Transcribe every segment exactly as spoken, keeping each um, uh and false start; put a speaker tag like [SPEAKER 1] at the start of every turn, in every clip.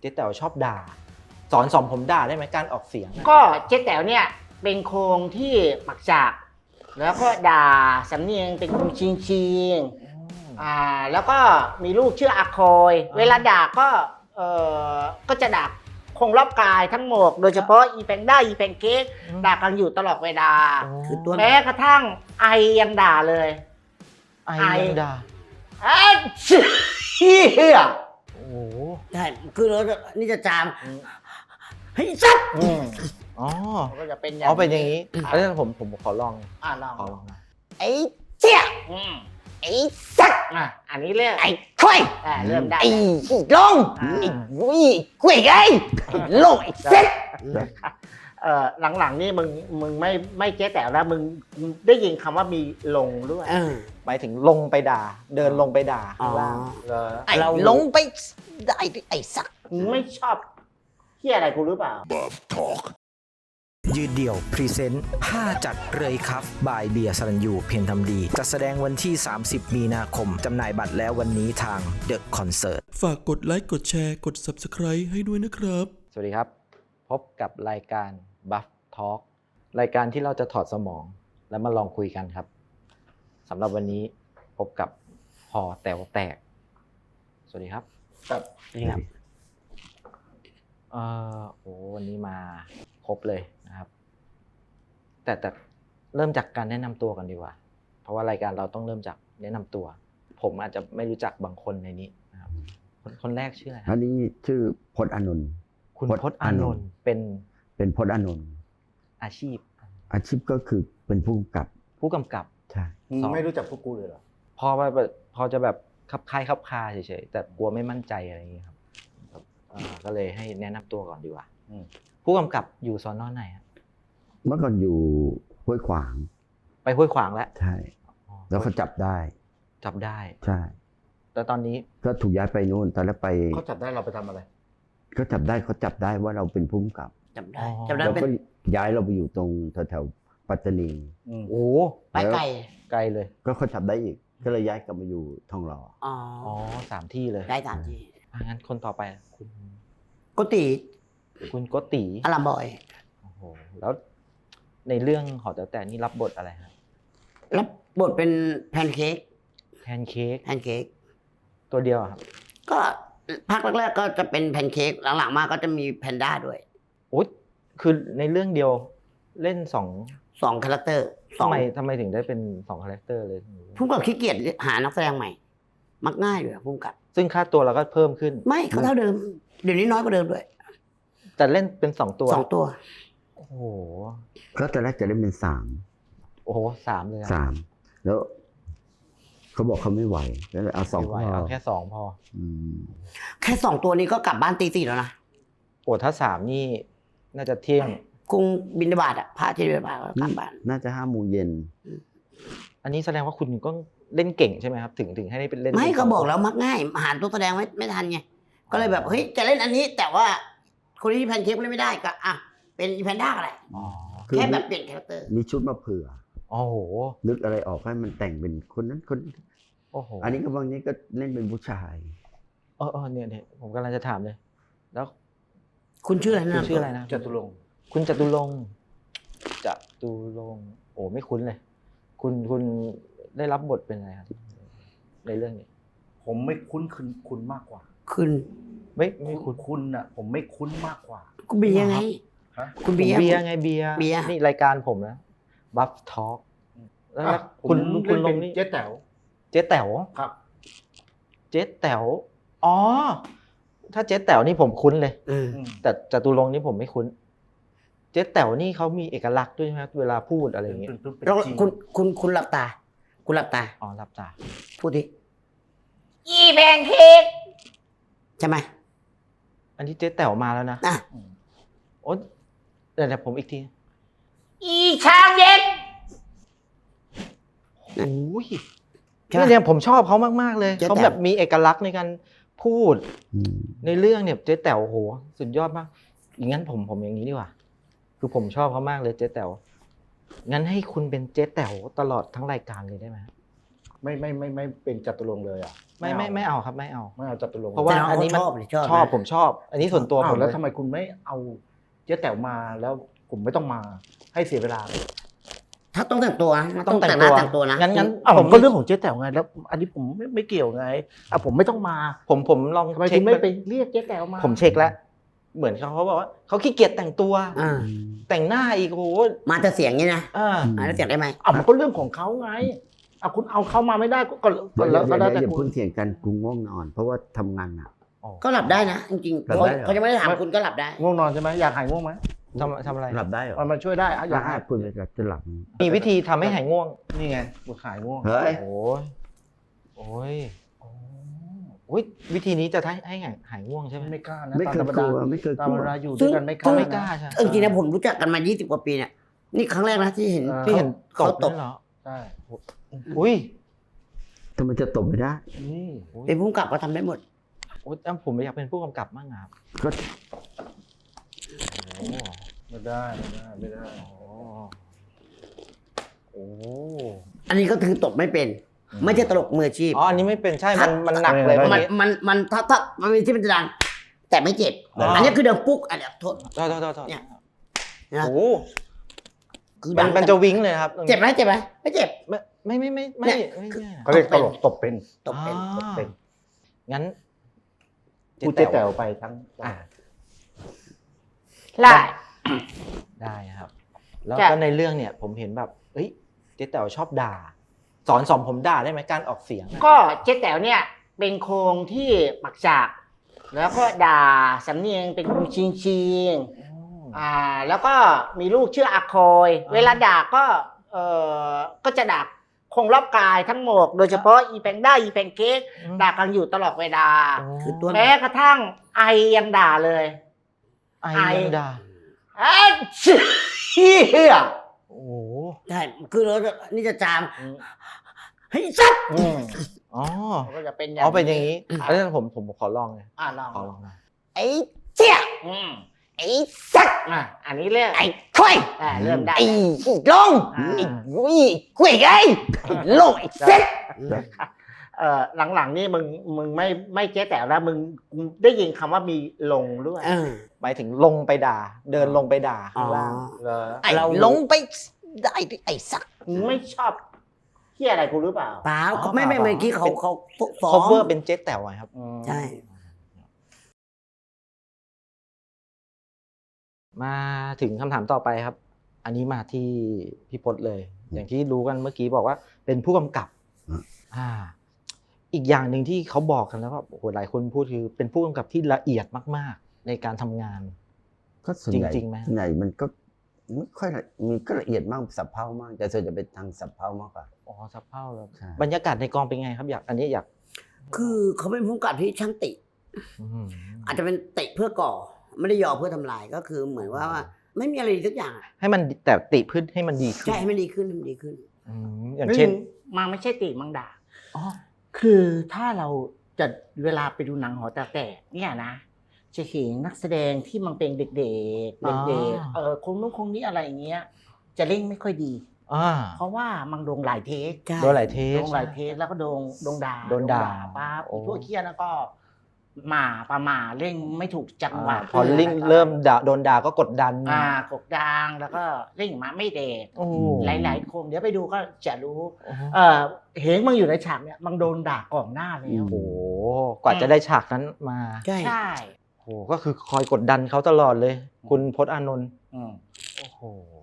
[SPEAKER 1] เจ๊แต๋วชอบด่าสอนสอนผมด่าได้ไหมการออกเสียง
[SPEAKER 2] ก็เจ๊แต๋วเนี่ยเป็นโครงที่ปักจากแล้วก็ด่าสำเนียงเป็นโครงชิงชิงอ่าแล้วก็มีลูกชื่ออาคอยเวลาด่าก็เออก็จะด่าคงรอบกายทั้งหมดโดยเฉพาะอีแพนด้าอีแพนเค้กด่ากันอยู่ตลอดเวลาคือตัวแม้กระทั่งไอยังด่าเลย
[SPEAKER 1] ไอยังด่า
[SPEAKER 2] ไอ้เชี่ย
[SPEAKER 1] โอ้โห
[SPEAKER 3] ใช่คือเราจะนี่จะจามเฮ้ยสัตว์
[SPEAKER 1] อ๋อ
[SPEAKER 2] ก็จะเป็นอย่าง
[SPEAKER 1] อ๋อเป็นอย่างนี้แล้วผมผมขอลอง
[SPEAKER 2] อ่าลอง
[SPEAKER 1] ขอลองนะ
[SPEAKER 3] ไอ้เจี๊ย
[SPEAKER 2] อืม
[SPEAKER 3] ไอ้สัตว์
[SPEAKER 2] อ่ะอันนี้เรื่อง
[SPEAKER 3] ไอ้ควาย
[SPEAKER 2] อ่าเริ่มได้
[SPEAKER 3] ไอ้ลงไอ้วุ้ยกล้วยไอ้ลงไอ้เซ็ต
[SPEAKER 2] เอ่อหลังๆนี่มึงมึงไม่ไม่เจ๊แต๋วแล้วมึงได้ยินคำว่ามีลงด้วย
[SPEAKER 3] เออ
[SPEAKER 1] หมายถึงลงไปด่า เดินลงไปด่าข้างล่าง
[SPEAKER 3] อ๋อ
[SPEAKER 1] เหรอ
[SPEAKER 3] ไอ้ลงไปได้ไอ้สัก
[SPEAKER 2] มึงไม่ชอบที่อะไรกูหรือเปล่า
[SPEAKER 4] ยืดเดี่ยวพรีเซนต์ผ้าจัดเลยครับบายเบียร์สรัญยูเพียรทำดีจัดแสดงวันที่ สามสิบ มีนาคม จำหน่ายบัตรแล้ววันนี้ทางเดอะคอนเสิร์ต
[SPEAKER 5] ฝากกดไลค์กดแชร์กด ซับสไครบ์ ให้ด้วยนะครับ
[SPEAKER 1] สวัสดีครับ พบกับรายการ Buff Talk รายการที่เราจะถอดสมองแล้วมาลองคุยกันครับสำหรับวันนี้พบกับหอแต๋วแตก สวัสดีครับ
[SPEAKER 2] ครับ
[SPEAKER 3] นี่ครับ
[SPEAKER 1] เออโอ้วันนี้มาครบเลยนะครับ แต่แต่เริ่มจากการแนะนำตัวกันดีกว่า เพราะว่ารายการเราต้องเริ่มจากแนะนำตัว ผมอาจจะไม่รู้จักบางคนในนี้นะครับคนคนแรกชื่ออะไรค
[SPEAKER 6] อั
[SPEAKER 1] รับ
[SPEAKER 6] นนี้ชื่อพจน์อานนท์
[SPEAKER 1] คุณ
[SPEAKER 6] พจน์
[SPEAKER 1] พจน์อานนท์เป็น
[SPEAKER 6] เป็นพจน์อานนท์
[SPEAKER 1] อาชีพ
[SPEAKER 6] อาชีพก็คือเป็นผู้กำกับ
[SPEAKER 1] ผู้กำกับ
[SPEAKER 6] ใช่
[SPEAKER 2] มึงไม่รู้จักพวกกูเลยเหรอ
[SPEAKER 1] พอว่าแบบพอจะแบบคับคายคับคาเฉยๆแต่กลัวไม่มั่นใจอะไรอย่างเงี้ยครับครับอ่าก็เลยให้แนะนำตัวก่อนดีกว่า
[SPEAKER 2] อืม
[SPEAKER 1] ผู้กำกับอยู่สอนอไหนฮะ
[SPEAKER 6] เมื่อก่อนอยู่ห้วยขวาง
[SPEAKER 1] ไปห้วยขวางแล้ว
[SPEAKER 6] ใช่
[SPEAKER 1] อ๋อ
[SPEAKER 6] แล้วเขาจับได้
[SPEAKER 1] จับได้
[SPEAKER 6] ใช่
[SPEAKER 1] แต่ตอนนี้
[SPEAKER 6] ก็ถูกย้ายไปนู่นตอนแรกไป
[SPEAKER 2] เขาจับได้เราไปทำอะไร
[SPEAKER 6] ก็จับได้เขาจับได้ว่าเราเป็นผู้กำกับ
[SPEAKER 3] จำได้จำได้
[SPEAKER 6] แล้ว
[SPEAKER 3] เป็น
[SPEAKER 6] ก็ย้ายเราไปอยู่ตรงแถวๆปัตตานี
[SPEAKER 1] โอ้
[SPEAKER 3] ไปไก่
[SPEAKER 1] ไกลเลย
[SPEAKER 6] ก็เขาจับได้อีก ก็เลยย้ายกลับมาอยู่ทองหล่อ
[SPEAKER 3] อ๋อ
[SPEAKER 1] อ๋อสามที่เลย
[SPEAKER 3] ได้ตามที่
[SPEAKER 1] อ่ะงั้นคนต่อไปคุณ
[SPEAKER 3] กุฏิ
[SPEAKER 1] คุณโกติ
[SPEAKER 3] อารามบอย
[SPEAKER 1] โอ้โหแล้วในเรื่องหอแต๋วแตกนี่รับบทอะไรฮะ
[SPEAKER 3] รับบทเป็นแพนเค้ก
[SPEAKER 1] แพนเค้ก
[SPEAKER 3] แพนเค้ก
[SPEAKER 1] ตัวเดียวอะครับ
[SPEAKER 3] ก็ภาคแรกๆก็จะเป็นแพนเค้กหลังๆมาก็จะมีแพนด้าด้วย
[SPEAKER 1] โอ้ยคือในเรื่องเดียวเล่นสอง
[SPEAKER 3] สองคาแรคเตอร์สอ
[SPEAKER 1] ทำ
[SPEAKER 3] ง
[SPEAKER 1] ไมทำไมถึงได้เป็นสองคาแรคเตอร์เลย
[SPEAKER 3] พุ่มกับขี้เกียจหานักแสดงใหม่ มักง่ายเลยพุ่มกับ
[SPEAKER 1] ซึ่งค่าตัวเราก็เพิ่มขึ้น
[SPEAKER 3] ไม่เขาเท่าเดิม เดี๋ยวนี้น้อยกว่าเดิมด้วย
[SPEAKER 1] แต่เล่นเป็นสองตัว
[SPEAKER 3] สองตัว
[SPEAKER 1] โอ้โห
[SPEAKER 6] ก็ตอนแรกจะได้เป็นสาม
[SPEAKER 1] โอ้โหสามเลยอะ
[SPEAKER 6] สามแล้วเขาบอกเขาไม่ไหวก็เลยเอาสอง
[SPEAKER 1] ไม่ไหว
[SPEAKER 6] พอ
[SPEAKER 1] เอาแค่สองพอ
[SPEAKER 6] อืม
[SPEAKER 3] แค่สองตัวนี้ก็กลับบ้านตีสี่แล้วนะ
[SPEAKER 1] โอ้ถ้าสามนี่น่าจะเที่ยง
[SPEAKER 3] กรุงบินทบาทอ่ะพระที่บินทบาทก็กลับบ้าน
[SPEAKER 6] น่าจะห้าโมงเย็น
[SPEAKER 1] อันนี้แสดงว่าคุณก็เล่นเก่งใช่ไหมครับ ถึงถึงให้ได้เป็นเล่น
[SPEAKER 3] ไม่
[SPEAKER 1] เป็น
[SPEAKER 3] ก็
[SPEAKER 1] สง
[SPEAKER 3] บอก
[SPEAKER 1] คน
[SPEAKER 3] แล้วมักง่ายหาตัวแสดงไม่ไม่ทันไงก็เลยแบบเฮ้ยจะเล่นอันนี้ แต่ว่าคนที่แพนเค้กเล่นไม่ได้ก็อ่ะเป็นอีแพนด้าอะไร
[SPEAKER 1] อ๋อ
[SPEAKER 6] คือ
[SPEAKER 3] แค่แบบเปลี่ยนคาแรคเตอร์
[SPEAKER 6] มีชุดมาเผื่อ
[SPEAKER 1] โอ้โห
[SPEAKER 6] นึกอะไรออกให้มันแต่งเป็นคนนั้นคนนี้
[SPEAKER 1] โอ้โห
[SPEAKER 6] อันนี้ก็บางนี้ก็เล่นเป็นผู้ชาย
[SPEAKER 1] เออเออเนี่ยเนี่ยผมกำลังจะถามเลย แล้ว
[SPEAKER 3] คุณชื่ออะไร
[SPEAKER 1] คุณ
[SPEAKER 3] นะ
[SPEAKER 1] ชื่ออะไรนะ
[SPEAKER 2] จตุรงค์
[SPEAKER 1] คุณจตุรงค์จตุรงค์โอ้ไม่คุ้นเลย คุณคุณได้รับบทเป็นอะไรครับในเรื่องนี้
[SPEAKER 2] ผมไม่คุ้นคุณคุณมากกว่า
[SPEAKER 3] คุณ
[SPEAKER 1] ไม่ไม่คุ้น
[SPEAKER 2] คุณน่ะ ผมไม่คุ้นมากกว่า
[SPEAKER 3] คุณเบียร์ไง
[SPEAKER 2] ฮะ
[SPEAKER 3] คุณ
[SPEAKER 1] ผม
[SPEAKER 3] เบียร์
[SPEAKER 1] เบียร์ไงเบียร์
[SPEAKER 3] เบียร์
[SPEAKER 1] นี่รายการผมนะบัฟทอล์กแล้วแล้ว
[SPEAKER 2] อ่ะ
[SPEAKER 1] คุณ
[SPEAKER 2] ผม
[SPEAKER 1] คุณล
[SPEAKER 2] เล่
[SPEAKER 1] ง
[SPEAKER 2] น
[SPEAKER 1] นี่
[SPEAKER 2] เป็นเจ๊แต๋ว
[SPEAKER 1] เจ๊แต๋ว
[SPEAKER 2] ครับ
[SPEAKER 1] เจ๊แต๋วอ๋อถ้าเจ๊แต๋วนี่ผมคุ้นเลย
[SPEAKER 3] เออ
[SPEAKER 2] อืม
[SPEAKER 1] แต่จตุรงค์นี่ผมไม่คุ้น เจ๊แต๋วนี่เขามีเอกลักษณ์ด้วยใช่ไหมครับเวลาพูดอะไรอย่างเงี้ย
[SPEAKER 2] เป็นเป็นเป็น
[SPEAKER 3] แล้ว
[SPEAKER 2] จริง
[SPEAKER 3] คุณคุณคุณหลับตา คุณหลับตา
[SPEAKER 1] อ๋อรับตา
[SPEAKER 3] พูดดิ
[SPEAKER 2] อีแพนเค้ก
[SPEAKER 3] ใช่ไหม
[SPEAKER 1] อันนี้เจ๊แต๋วมาแล้วนะ
[SPEAKER 3] อ่ะ
[SPEAKER 1] โอ๊ยเดี๋ยวเดี๋ยวผมอีกที
[SPEAKER 2] อีช้างเย็น
[SPEAKER 1] โอ้ย
[SPEAKER 3] ใช่ไหม
[SPEAKER 1] เนี่ยเนี่ยผมชอบเขามากๆเลย
[SPEAKER 3] เจ๊แต๋ว
[SPEAKER 1] เขาแบบมีเอกลักษณ์ในการพูด
[SPEAKER 6] อืม
[SPEAKER 1] ในเรื่องเนี่ยเจ๊แต๋วโหสุดยอดมากอย่างนั้นผมผมอย่างนี้ดีกว่า คือผมชอบเขามากเลยเจ๊แต๋วงั้นให้คุณเป็นเจ๊แต๋วตลอดทั้งรายการเลยได้ไหม
[SPEAKER 2] ไม่ไม่ไม่ไม่เป็นจตุรงค์เลยอ่ะ
[SPEAKER 1] ไม่ไม่ไม่เอาครับไม่เอา
[SPEAKER 2] ไม่เอาจตุรงค์
[SPEAKER 1] เพราะว่า
[SPEAKER 3] แต่น้อง
[SPEAKER 1] อันนี้มัน
[SPEAKER 3] เขาชอบหรือชอบ
[SPEAKER 1] ชอบ
[SPEAKER 3] นะ
[SPEAKER 1] ผมชอบ อันนี้ส่วนตัว
[SPEAKER 2] อ้า
[SPEAKER 1] ผม
[SPEAKER 2] แล้ว
[SPEAKER 1] เลย
[SPEAKER 2] ทำไมคุณไม่เอาเจ๊แต๋วมาแล้วผมไม่ต้องมาให้เสียเวลา
[SPEAKER 3] ถ้าต้องแต่งตัวนะ
[SPEAKER 1] ต้องแต่ง
[SPEAKER 3] หน้า
[SPEAKER 1] ตัว
[SPEAKER 3] แต่งตัวนะ
[SPEAKER 1] งั้นงั้น
[SPEAKER 2] อ้าว
[SPEAKER 1] ผ
[SPEAKER 2] ผม มก็เรื่องของเจ๊แต๋วไงแล้ว อันนี้ผมไม่ไม่เกี่ยวไงอ่ะผมไม่ต้องมา
[SPEAKER 1] ผมผมลอง
[SPEAKER 2] ทำไม
[SPEAKER 1] เช็
[SPEAKER 2] คุ
[SPEAKER 1] ค
[SPEAKER 2] ณไม่ไปเรียกเจ๊แต๋วมา
[SPEAKER 1] ผมเช็คแล้ว เหมือนเขาเขาบอกว่าเขาขี้เกียจแต่งตัว
[SPEAKER 3] อ่า
[SPEAKER 1] แต่งหน้าอีกโอ้โห
[SPEAKER 3] มาแต่เสียงนี่นะ
[SPEAKER 1] อ่า
[SPEAKER 3] อ่าแล้วเสียงได้ไหม
[SPEAKER 2] อ่ะมันก็เรื่องของเขาไงอ่ะคุณเอาเขามาไม่ได้ก็ก็ก็
[SPEAKER 6] เดี๋ยว
[SPEAKER 2] แล้ว
[SPEAKER 6] เดี๋ยว
[SPEAKER 2] ก็
[SPEAKER 6] เดี๋
[SPEAKER 2] แล้ว
[SPEAKER 6] ยวอย่า
[SPEAKER 2] แต่คุ
[SPEAKER 6] เพิ่
[SPEAKER 2] ณ
[SPEAKER 6] งเถียงกันกูง่วงนอน เพราะว่าทำงานหนัก
[SPEAKER 3] ก็หลับได้นะจริงๆ
[SPEAKER 6] หลับ
[SPEAKER 3] เขา
[SPEAKER 6] ได้เหรอ
[SPEAKER 3] เขาจะไม่ได้ถามคุณก็หลับได้
[SPEAKER 2] ง่วงนอนใช่ไหมอยากหายง่วงไหม
[SPEAKER 1] ทำทำอะไร
[SPEAKER 6] หลับได้เหรอ
[SPEAKER 2] มันมาช่วยได้อ่ะอยากหาย
[SPEAKER 6] คุณจะจะหลับ
[SPEAKER 1] มีวิธีทำให้หายง่วง
[SPEAKER 2] นี่ไงบุหายง่วง
[SPEAKER 6] เฮ้ย
[SPEAKER 1] โอ้ยโอ้ยโอ้ยวิธีนี้จะให้ให้หายหายง่วงใช่ไหม
[SPEAKER 2] ไม่กล้านะ
[SPEAKER 6] ไม่
[SPEAKER 2] ตาม
[SPEAKER 6] เค
[SPEAKER 2] ธ
[SPEAKER 6] ย
[SPEAKER 2] รรม
[SPEAKER 6] ก
[SPEAKER 2] ดา
[SPEAKER 6] ลัวไม่เคย
[SPEAKER 2] ตาม
[SPEAKER 6] กลั
[SPEAKER 2] เว
[SPEAKER 6] ว
[SPEAKER 2] ลาอยู่ด้วยกันไม่กล้า
[SPEAKER 1] ไม่กล้าใช่
[SPEAKER 3] เออจริงๆนะผมรู้จักกันมายี่สิบกว่าปีเนี่ยนี่ครั้งแรกนะที่เห็น
[SPEAKER 2] อ่า
[SPEAKER 1] ที่เห็นต
[SPEAKER 3] เขา
[SPEAKER 1] บ
[SPEAKER 3] ต
[SPEAKER 1] นั่
[SPEAKER 3] บ
[SPEAKER 1] นเหรอ
[SPEAKER 2] ใช่
[SPEAKER 1] อุ้ย
[SPEAKER 6] ทำไมจะตบไม่ได้
[SPEAKER 2] นี่
[SPEAKER 3] เป็นผู้กำกับก็ทำได้หมด
[SPEAKER 1] โอ้ยผมอยากเป็นผู้กำกับมากครับ
[SPEAKER 6] ก็
[SPEAKER 1] โอ้
[SPEAKER 2] ไม่ได้ไม่ได้ไม่ได้
[SPEAKER 1] โอ้
[SPEAKER 3] อันนี้ก็คือตบไม่เป็น ไม่ใช่ตลกมืออาชีพ
[SPEAKER 1] อ๋ออันนี้ไม่เป็นใช่ มันมันหนักเลย
[SPEAKER 3] มัน
[SPEAKER 1] เมื่อกี้
[SPEAKER 3] มันมันถ้าถ้ามันมีที่มันจะดังแต่ไม่เจ็บ
[SPEAKER 1] อ๋ออั
[SPEAKER 3] อันนี้คือเดิมปุ๊กอันเนี้ยโทษ
[SPEAKER 1] โทษโทษโทษโทษ
[SPEAKER 3] เนี่ย
[SPEAKER 1] โอ้
[SPEAKER 3] คือ
[SPEAKER 1] มั
[SPEAKER 3] ดั
[SPEAKER 1] น
[SPEAKER 3] ง
[SPEAKER 1] มันจะวิ้งเลยครับตรงนี้
[SPEAKER 3] เจ็บไหมเจ็บไหมไม่เจ็บ
[SPEAKER 1] ไม่ไม่ไม่ไม่
[SPEAKER 3] เนี่
[SPEAKER 1] ไม่
[SPEAKER 3] ย
[SPEAKER 1] ไม่
[SPEAKER 3] คือ
[SPEAKER 1] ไม่
[SPEAKER 2] เขาเรียกตลกตบเป็น
[SPEAKER 3] ตบเป็น
[SPEAKER 1] อ่า
[SPEAKER 2] ตบเป็น
[SPEAKER 1] งั้น
[SPEAKER 2] พูดเจ๊แต๋วไปทั้ง
[SPEAKER 1] อ่ะ
[SPEAKER 2] ได้
[SPEAKER 1] ได้ครับ แล้ว
[SPEAKER 2] จ้ะ
[SPEAKER 1] ก็ในเรื่องเนี่ย ผมเห็นแบบเอ้ยเจ๊แต๋วชอบด่า สอนสอนผมด่าได้ไหมการออกเสียงอะ
[SPEAKER 2] ก็เจ๊แต๋วเนี่ยเป็นโครงที่ปักจากแล้วก็ด่าสำเนียงเป็นชิงชิงๆอ่า แล้วก็มีลูกชื่ออาคอย เวลาด่าก็เออก็จะด่าคงรอบกายทั้งหมด โดยเฉพาะอีแพงด้าอีแพงเค้ก
[SPEAKER 1] อืม
[SPEAKER 2] ด่ากันอยู่ตลอดเวลา
[SPEAKER 3] คือตัว
[SPEAKER 2] แม้กระทั่งไอยังด่าเลย
[SPEAKER 1] ไอ
[SPEAKER 2] ไอ
[SPEAKER 1] ยังด่า
[SPEAKER 2] เอ้ยเฮีย
[SPEAKER 1] โอ้โห
[SPEAKER 3] ใช่คือเราจะนี่จะจามเฮ้ยสัตว์
[SPEAKER 2] อืม
[SPEAKER 1] อ๋อ
[SPEAKER 2] ก็จะเป็นอย่าง
[SPEAKER 1] เอาเป็นอย่างนี้อันนี้ผมผมขอลองเลย
[SPEAKER 2] อ่าลอง
[SPEAKER 1] ขอลองหน่อย
[SPEAKER 3] ไอ้เจี๊ย
[SPEAKER 2] อืม
[SPEAKER 3] ไอ้สัตว์
[SPEAKER 2] อ่ะอันนี้เรื่อง
[SPEAKER 3] ไอ้ค่อย
[SPEAKER 2] อ่าเริ่มได้
[SPEAKER 3] ไอ้
[SPEAKER 2] แล้ว
[SPEAKER 3] ลง
[SPEAKER 2] อ่า
[SPEAKER 3] ไอ้กุ้ยกุ้ยไอ้ไอ้ลงไอ้เซ็ต
[SPEAKER 2] เอ่อหลังๆนี่มึงมึงไม่ไม่เจ๊แต๋วแล้วมึงได้ยินคำว่ามีลงด้วย
[SPEAKER 3] เออ
[SPEAKER 1] หมายถึงลงไปด่า เดินลงไปด่าข้างล่าง
[SPEAKER 3] อ๋อ
[SPEAKER 2] เหรอ
[SPEAKER 3] ไอ้ลงไปได้ดิไอ้สัตว์
[SPEAKER 2] มึงไม่ชอบเฮียอะไรกูหรือเปล่า
[SPEAKER 3] เปล่า
[SPEAKER 1] อ๋อ
[SPEAKER 3] ไม่ไม่
[SPEAKER 1] เปล่า
[SPEAKER 3] เมื่อกี้เขาเขาฟ้อง
[SPEAKER 1] cover เป็นเจ๊แต๋วไงครับ
[SPEAKER 2] อืม
[SPEAKER 3] ใช่
[SPEAKER 1] มาถึงคำถามต่อไปครับ อันนี้มาที่พี่พจน์เลย อย่างที่รู้กันเมื่อกี้บอกว่าเป็นผู้กำกับ
[SPEAKER 6] อืม
[SPEAKER 1] อ่า อีกอย่างหนึ่งที่เขาบอกกันแล้วว่าโอ้โหหลายคนพูดคือเป็นผู้กำกับที่ละเอียดมาก ๆ ในการทำงาน
[SPEAKER 6] ก็ส่วนใหญ่
[SPEAKER 1] จริงๆไหม
[SPEAKER 6] ส่วนใหญ่มันก็ไม่ค่อยละมีก็ละเอียดมากสับเพร่ามากแต่ส่วนใหญ่เป็นทางสับเพร่ามากกว่า
[SPEAKER 1] อ๋อสับเพ่าเลย
[SPEAKER 6] ใช่
[SPEAKER 1] บรรยากาศในกองเป็นไงครับอยากอันนี้อยาก
[SPEAKER 3] คือเขาเป็นผู้กำกับที่ช่างติ
[SPEAKER 1] อื้อหือ
[SPEAKER 3] อาจจะเป็นติเพื่อก่อ ไม่ได้ยอเพื่อทำลายก็คือเหมือนว่าว่า ไม่มีอะไรดีสักอย่างอะ
[SPEAKER 1] ให้มันแต่ติพื้นให้มันดีขึ้น
[SPEAKER 3] ใช่ให้มันดีขึ้นให้มันดีขึ้น
[SPEAKER 1] อืมอย่างเช่น
[SPEAKER 2] มันไม่ใช่ติมังด่า
[SPEAKER 1] อ๋อ
[SPEAKER 2] คือถ้าเราจะเวลาไปดูหนังหอแต๋วแตกเนี่ยนะ จะเห็นนักแสดงที่มันเป็นเด็กๆเด็กๆเออคงนู้นคงนี้อะไรอย่างเงี้ย จะเล่นไม่ค่อยดี
[SPEAKER 1] อ่า
[SPEAKER 2] เพราะว่ามันโดนหลายเทค
[SPEAKER 3] ใช่
[SPEAKER 1] โดนหลายเทส
[SPEAKER 2] โดนหลายเทคแล้วก็โดนโดนด่า
[SPEAKER 1] โดนด่า
[SPEAKER 2] ปั๊บ
[SPEAKER 1] โอ้
[SPEAKER 2] พวกเคียแล้วก็หมาปลาหมาเล่นไม่ถูกจังหวะ
[SPEAKER 1] อ่าพอลิงเริ่มด่าโดนด่าก็กดดัน
[SPEAKER 2] อ่ากดดังแล้วก็เล่นมาไม่เด็ด
[SPEAKER 1] โอ้โห
[SPEAKER 2] หลายๆคนเดี๋ยวไปดูก็จะรู้
[SPEAKER 1] โอ้โห
[SPEAKER 2] เออเห็นมึงอยู่ในฉากเนี่ยมันโดนด่าก่อนหน้าแล้ว
[SPEAKER 1] โอ้โหกว่าจะได้ฉากนั้นมา
[SPEAKER 3] ใช่
[SPEAKER 2] ใช่
[SPEAKER 1] โอ้โหก็คือคอยกดดันเขาตลอดเลย คุณพจน์อานนท์
[SPEAKER 2] อืม
[SPEAKER 1] โอ้โห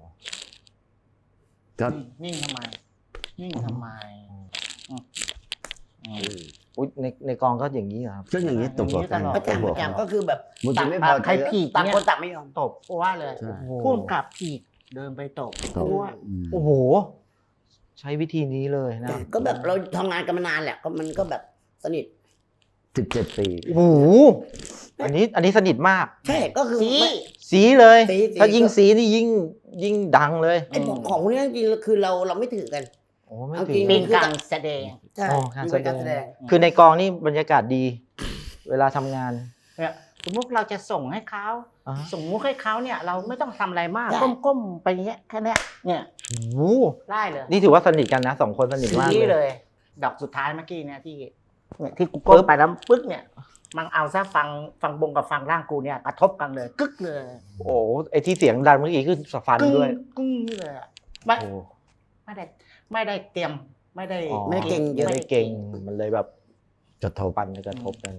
[SPEAKER 6] ก็
[SPEAKER 2] นิ่งทำไม นิ่งทำไมอืมอืม
[SPEAKER 1] อุ๊ยในในกองก็อย่างนี้เหรอครับ
[SPEAKER 6] ก็อย่างนี้ตบหัวกัน
[SPEAKER 2] อย่างนี้ตลอด
[SPEAKER 3] ประจำประจำก็คือแบบ
[SPEAKER 6] มันจะไม่พ
[SPEAKER 2] ต่า
[SPEAKER 6] อง
[SPEAKER 2] ใครผิด
[SPEAKER 3] ต่าง
[SPEAKER 2] เนี่ย
[SPEAKER 3] คนต่างไม่ยอม
[SPEAKER 2] ตบว่าเลย
[SPEAKER 6] ใช่
[SPEAKER 2] พุ่มกับผิดเดินไปตบ
[SPEAKER 6] ตบ
[SPEAKER 2] ว่า
[SPEAKER 6] อืม
[SPEAKER 1] โอ้โห ใช้วิธีนี้เลยนะ
[SPEAKER 3] ก็แบบเราทำงานกันมานานแหละก็มันก็แบบสนิท
[SPEAKER 6] สิบเจ็ดปี
[SPEAKER 1] โอ้โหอันนี้อันนี้สนิทมาก
[SPEAKER 3] ใช่ก็คือ
[SPEAKER 2] สี
[SPEAKER 3] ไม่
[SPEAKER 1] สีเลย
[SPEAKER 3] สีสี
[SPEAKER 1] ถ้ายิ่งสีนี่ยิ่งยิ่งดังเลย
[SPEAKER 3] ไอ้ของของพวกนี้จริงๆคือเราเราไม่ถือกัน
[SPEAKER 1] โอ้ไม่
[SPEAKER 3] เอา
[SPEAKER 1] ถึ
[SPEAKER 3] จริ
[SPEAKER 1] ง
[SPEAKER 3] ง
[SPEAKER 2] เป็นการแสดง
[SPEAKER 3] ใช่
[SPEAKER 1] อ๋อการ
[SPEAKER 3] มัน
[SPEAKER 1] แส
[SPEAKER 3] เป็น
[SPEAKER 1] ด
[SPEAKER 3] การแสด
[SPEAKER 1] ง
[SPEAKER 3] ง
[SPEAKER 1] คือในกองนี่บรรยากาศดี เวลาทำงาน
[SPEAKER 2] เนี่ยสมมติเราจะส่งให้เขา
[SPEAKER 1] อ่า
[SPEAKER 2] ส่งมุกให้เขาเนี่ย เราไม่ต้องทำอะไรมาก
[SPEAKER 3] ได้
[SPEAKER 2] ก้มๆไปอย่างเงี้ยแค่เนี้ยเนี่ย
[SPEAKER 1] โอ้โห
[SPEAKER 2] ได้เลย
[SPEAKER 1] นี่ถือว่าสนิทกันนะสองคนสนิทมาก
[SPEAKER 2] นี่
[SPEAKER 1] เล
[SPEAKER 2] เลย ย ดอกสุดท้ายเมื่อกี้เนี่ยที่เนี่ยที่กูก้มไปแล้วปึ๊กเนี่ยมันเอาซะฟังฟังบงกับฟังร่างกูเนี่ยกระทบกันเลยกึกเลย
[SPEAKER 1] โอ้ไอที่เสียงดังเมื่อกี้คือสฟัน
[SPEAKER 2] กึ้ง
[SPEAKER 1] ด้วย
[SPEAKER 2] กึ้งเลยอะไม่
[SPEAKER 1] โอ้
[SPEAKER 2] ไม่ได้ไม่ได้เตรียมไม่ได้
[SPEAKER 1] อ๋อ
[SPEAKER 3] ไม่ได้เก่งเยอะ
[SPEAKER 1] ไม่ได้เก่งมันเลยแบบ
[SPEAKER 6] กระทบ
[SPEAKER 1] ปันกระทบกัน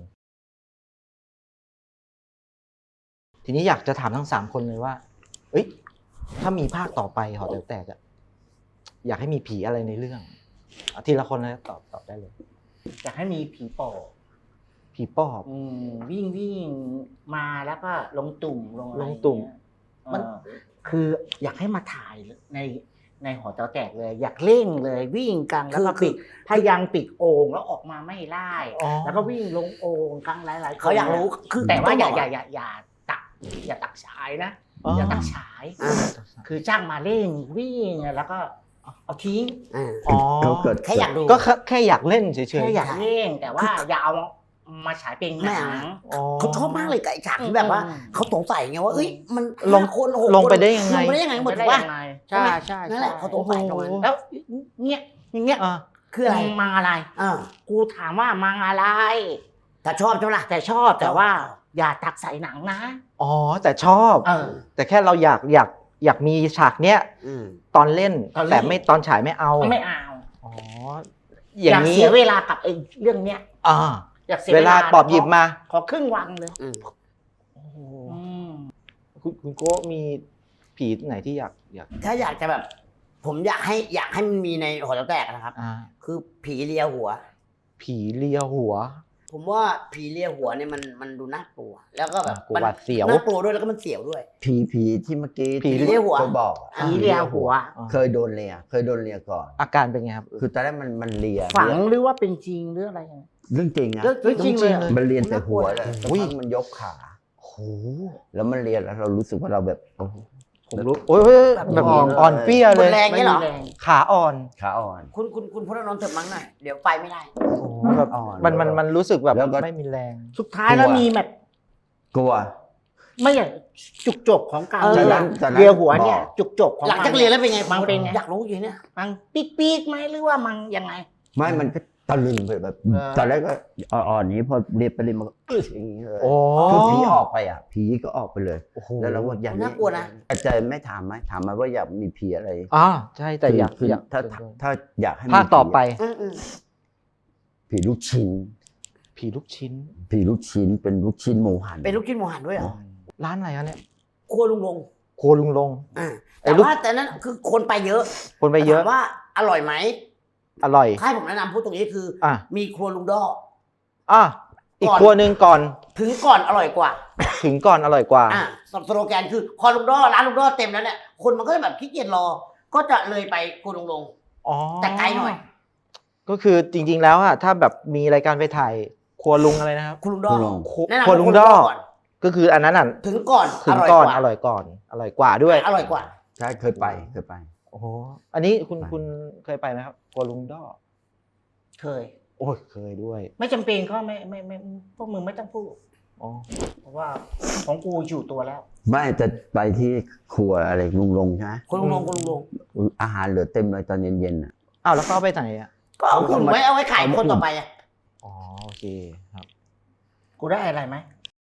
[SPEAKER 1] ทีนี้อยากจะถามทั้งสามคนเลยว่า เอ้ย ถ้ามีภาคต่อไปหอแต๋วแตกอะอยากให้มีผีอะไรในเรื่องเอาทีละคนเลยตอบตอบได้เลย
[SPEAKER 2] อยากให้มีผีปอบ
[SPEAKER 1] ผีปอบ
[SPEAKER 2] อืมวิ่งวิ่งมาแล้วก็ลงตุ่มลงอะไร
[SPEAKER 1] ลงตุ่ม
[SPEAKER 2] เนี่ย
[SPEAKER 1] มัน
[SPEAKER 2] เออคืออยากให้มาถ่ายในในหอแต๋วแตกเลย อยากเร่งเลยวิ่งกลางแล้วก็
[SPEAKER 3] คือ
[SPEAKER 2] ปิดพยายามปิดโอ่งแล้วออกมาไม่ไล่
[SPEAKER 1] อ๋อ
[SPEAKER 2] แล้วก็วิ่งลงโอ่งกลางหลายๆคน
[SPEAKER 3] เขาอยากรู้คือ
[SPEAKER 2] แต่ว่าอย่า
[SPEAKER 3] ต้งบก
[SPEAKER 2] อย่าอย่าอย่าตักอย่าตักฉายนะ
[SPEAKER 1] อ๋อ
[SPEAKER 2] อย่าตักฉาย
[SPEAKER 3] อ่า
[SPEAKER 2] คือจ้างมาเร่งวิ่งแล้วก็เอาทิ้ง
[SPEAKER 3] อ่า
[SPEAKER 1] อ๋อ
[SPEAKER 6] เขาเกิด
[SPEAKER 3] แค่อยากดู
[SPEAKER 1] ก็แค่แค่อยากเล่นเฉย
[SPEAKER 2] แค่อยากเร่งแต่ว่าอย่าเอามาฉายเป็นหนัง
[SPEAKER 1] ๆอ๋อ
[SPEAKER 3] เขาชอบมากเลยกับไอ้ฉากที่แบบว่า
[SPEAKER 2] อืม
[SPEAKER 3] เขาสงสัยไงว่าเอ้ยมัน
[SPEAKER 1] ลง
[SPEAKER 3] ห้าคนหก
[SPEAKER 1] ลงไป
[SPEAKER 3] คน
[SPEAKER 1] ได้ยังไง
[SPEAKER 3] ลงไปได้ยังไงหมด
[SPEAKER 2] ไม่
[SPEAKER 3] ถู
[SPEAKER 2] ได้
[SPEAKER 3] กป่ะ
[SPEAKER 2] ยังไง
[SPEAKER 3] ใช่
[SPEAKER 2] ใช่
[SPEAKER 3] ไหม
[SPEAKER 2] ใช่
[SPEAKER 3] นั่นแหละเขาสงสัยตรงนั้น
[SPEAKER 2] แล้วเงี้ยอย่างเงี้ย
[SPEAKER 1] อ่า
[SPEAKER 3] คืออะไร
[SPEAKER 2] มึงมาอะไร
[SPEAKER 3] อ่า
[SPEAKER 2] กูถามว่ามาอะไร
[SPEAKER 3] แต่ชอบใช่ไหมล่ะ
[SPEAKER 2] แต่ชอบแต่ว่า อย่าตักใส่หนังนะ
[SPEAKER 1] อ๋อ แต่ชอบ
[SPEAKER 2] เออ
[SPEAKER 1] แต่แค่เราอยากอยากอยากมีฉากเนี้ย
[SPEAKER 3] อืม
[SPEAKER 1] ตอนเล่น
[SPEAKER 2] ตอนเล่น
[SPEAKER 1] แต่ไม่ตอนฉายไม่เอา
[SPEAKER 2] ไม่เอา
[SPEAKER 1] อ๋อ อ
[SPEAKER 2] อย่า
[SPEAKER 1] ย่างนี้
[SPEAKER 2] เสียเวลากับไอ้เรื่องเนี้ย
[SPEAKER 1] อ่า
[SPEAKER 2] อยากเสีย
[SPEAKER 1] เวลาปอบหยิบมา
[SPEAKER 2] ขอครึ่งวันเลย
[SPEAKER 3] อืม
[SPEAKER 2] อืม
[SPEAKER 1] คุณคุณโก้มีผีไหนที่อยากอยาก
[SPEAKER 3] ถ้าอยากจะแบบ ผมอยากให้อยากให้มันมีในหอแถวแตกนะครับ
[SPEAKER 1] อ่า
[SPEAKER 3] คือผีเลียหัว
[SPEAKER 1] ผีเลียหัว
[SPEAKER 3] ผมว่าผีเลียหัวเนี่ยมันมันดูน่ากลัว แล้วก็แบบ
[SPEAKER 1] อ่ะกลัว
[SPEAKER 3] มัน
[SPEAKER 1] หวาดเสียว
[SPEAKER 3] น่ากลัวด้วยแล้วก็มันเสียวด้วย
[SPEAKER 6] ผีผีที่เมื่อกี้
[SPEAKER 1] ผี
[SPEAKER 6] ที่
[SPEAKER 3] เลียหัว
[SPEAKER 6] เขาบอกอะ
[SPEAKER 2] ผีเลียหัว
[SPEAKER 1] อ่า
[SPEAKER 6] เคยโดนเลียเคยโดนเลียก่อน
[SPEAKER 1] อาการเป็นไงครับ
[SPEAKER 6] คือตอนแรกมันมันเลีย
[SPEAKER 2] ฝังหรือว่าเป็นจริงหรืออะไร
[SPEAKER 6] เรื่องจริงอะ
[SPEAKER 3] เรื่อง
[SPEAKER 2] เรื่องจริงเลย
[SPEAKER 6] มันเลียแต่หัวเลยสัก
[SPEAKER 1] อุ้ย
[SPEAKER 6] พักมันยกขา
[SPEAKER 1] โอ้โห
[SPEAKER 6] แล้วมันเลียแล้วเรารู้สึกว่าเราแบบโอ้โห
[SPEAKER 1] ผมรู้โอ้ยโอ้ยแบบ
[SPEAKER 6] อ่อน
[SPEAKER 1] อ่อนเปรี้ย
[SPEAKER 3] หม
[SPEAKER 1] เล
[SPEAKER 3] ด
[SPEAKER 1] ย
[SPEAKER 3] แรงเนี่ยเหรอ
[SPEAKER 2] ไม่มีแรง
[SPEAKER 1] ขาอ่อน
[SPEAKER 6] ขาอ่อน
[SPEAKER 3] คุณคุณคุณพุทธนนท์เถิดมั้งหน่อยเดี๋ยวไปไม่ได้
[SPEAKER 1] โอ้โหแบบ
[SPEAKER 6] อ่อน
[SPEAKER 1] มันมันมันรู้สึกแบบ
[SPEAKER 6] แล้วก็
[SPEAKER 1] ไม่มีแรง
[SPEAKER 2] สุดท้ายแล้วมีแบบ
[SPEAKER 6] กลัว
[SPEAKER 2] ไม่อย่างจุกจบของการ
[SPEAKER 3] เออ
[SPEAKER 2] เลีย
[SPEAKER 6] ตอนนั้น
[SPEAKER 2] เลียหัวเนี่ย
[SPEAKER 6] บอก
[SPEAKER 2] จุกจบของ
[SPEAKER 3] หลังจากเรียนแล้วเป็นไง
[SPEAKER 2] มันเป็นไง
[SPEAKER 3] อยากรู้อยู่เนี่ย
[SPEAKER 2] มันปีกปีกๆไหมหรือว่ามันยังไง
[SPEAKER 6] ไม่มันก็ตะลึงไปแบบ
[SPEAKER 2] เออ
[SPEAKER 6] ตอนแรกก็อ่อนๆนี้พอเรียนไปเรียนมาก็อึดอย่างนี้เลย
[SPEAKER 1] โอ้
[SPEAKER 6] คือผีออกไปอ่ะ ผีก็ออกไปเลย
[SPEAKER 1] โอ้โห
[SPEAKER 6] แล้วเราก็อย่าง
[SPEAKER 3] น่ากลัวนะ
[SPEAKER 6] อาจารย์ไม่ถามไหมถามมาว่าอยากมีผีอะไร
[SPEAKER 1] อ่าใช่แต่อยาก
[SPEAKER 6] คือ
[SPEAKER 1] อยาก
[SPEAKER 6] ถ้าถ้าอยากให้มี
[SPEAKER 1] ภาคต่อไป
[SPEAKER 3] อืมอืม
[SPEAKER 6] ผีลูกชิ้น
[SPEAKER 1] ผีลูกชิ้น
[SPEAKER 6] ผีลูกชิ้นเป็นลูกชิ้นหมูหัน
[SPEAKER 3] เป็นลูกชิ้นหมูหันด้วยเหรอ
[SPEAKER 1] ร้านอะไรครับเนี่ย
[SPEAKER 3] ครัวลุงลง
[SPEAKER 1] ครัวลุงลง
[SPEAKER 3] อ่า
[SPEAKER 1] ไอ้
[SPEAKER 3] แต่
[SPEAKER 1] ลูก
[SPEAKER 3] ว่าแต่นั้นคือคนไปเยอะ
[SPEAKER 1] คนไปเยอะ
[SPEAKER 3] ถามว่าอร่อยไหม
[SPEAKER 1] อร่อย
[SPEAKER 3] ถ้าให้ผมแนะนำพูดตรงนี้คืออ
[SPEAKER 1] อ่ะ
[SPEAKER 3] มีครัวลุงดอ
[SPEAKER 1] อ่ะอีก
[SPEAKER 3] ก่อน
[SPEAKER 1] ครัวหนึ่งก่อน
[SPEAKER 3] ถึงก่อนอร่อยกว่า
[SPEAKER 1] ถึงก่อนอร่อยกว่า
[SPEAKER 3] อ่าสโลแกนคือพอลุงดอร้านลุงดอเต็มแล้วเนี่ยคนมันก็จะแบบขี้เกียจรอ ก็จะเลยไปครัวลุงลง
[SPEAKER 1] อ๋อ
[SPEAKER 3] แต่ไกลหน่อย
[SPEAKER 1] ก็คือจริง ๆ แล้วอะถ้าแบบมีรายการไปถ่ายครัวลุงอะไรนะครับ
[SPEAKER 3] ครัวลุงดอ
[SPEAKER 6] ครัวลุง
[SPEAKER 1] ครัว
[SPEAKER 3] แนะนำ
[SPEAKER 1] ครัวลุง
[SPEAKER 3] ให้
[SPEAKER 1] ดอ
[SPEAKER 3] ก่อน
[SPEAKER 1] ก็คืออันนั้นอ่ะ
[SPEAKER 3] ถึงก่อน
[SPEAKER 1] ถึง
[SPEAKER 3] ร่ย
[SPEAKER 1] ก่อน
[SPEAKER 3] ว่า
[SPEAKER 1] อร่อยก่อน อร่อยกว่าด้วย
[SPEAKER 3] อร่อยกว่า
[SPEAKER 6] ใช่เคยไปเคยไป
[SPEAKER 1] โอ้โหอันนี้คุณ
[SPEAKER 6] ไป
[SPEAKER 1] คุณเคยไปไหมครับครัวลุงดอ
[SPEAKER 2] เคย
[SPEAKER 1] โอ้ยเคยด้วย
[SPEAKER 2] ไม่จำเป็นก็ไม่ไม่ไม่พวกมึงไม่ต้องพูด
[SPEAKER 1] อ๋อ
[SPEAKER 2] เพราะว่าของกูอยู่ตัวแล้ว
[SPEAKER 6] ไม่จะไปที่ครัวอะไรลุงลงใช่ไหม
[SPEAKER 3] ครัวลุงลงครัวลุงลง
[SPEAKER 6] อาหารเหลือเต็มเลยตอนเย็นๆอ่ะ
[SPEAKER 1] อ้าวแล้วเขาเอาไปไหนอ่ะ
[SPEAKER 3] ก็เอาคุณไว้เอาไว้ขายคนต่อไปอ่ะ
[SPEAKER 1] อ๋อโอเคครับ
[SPEAKER 2] กูได้อะไรไหม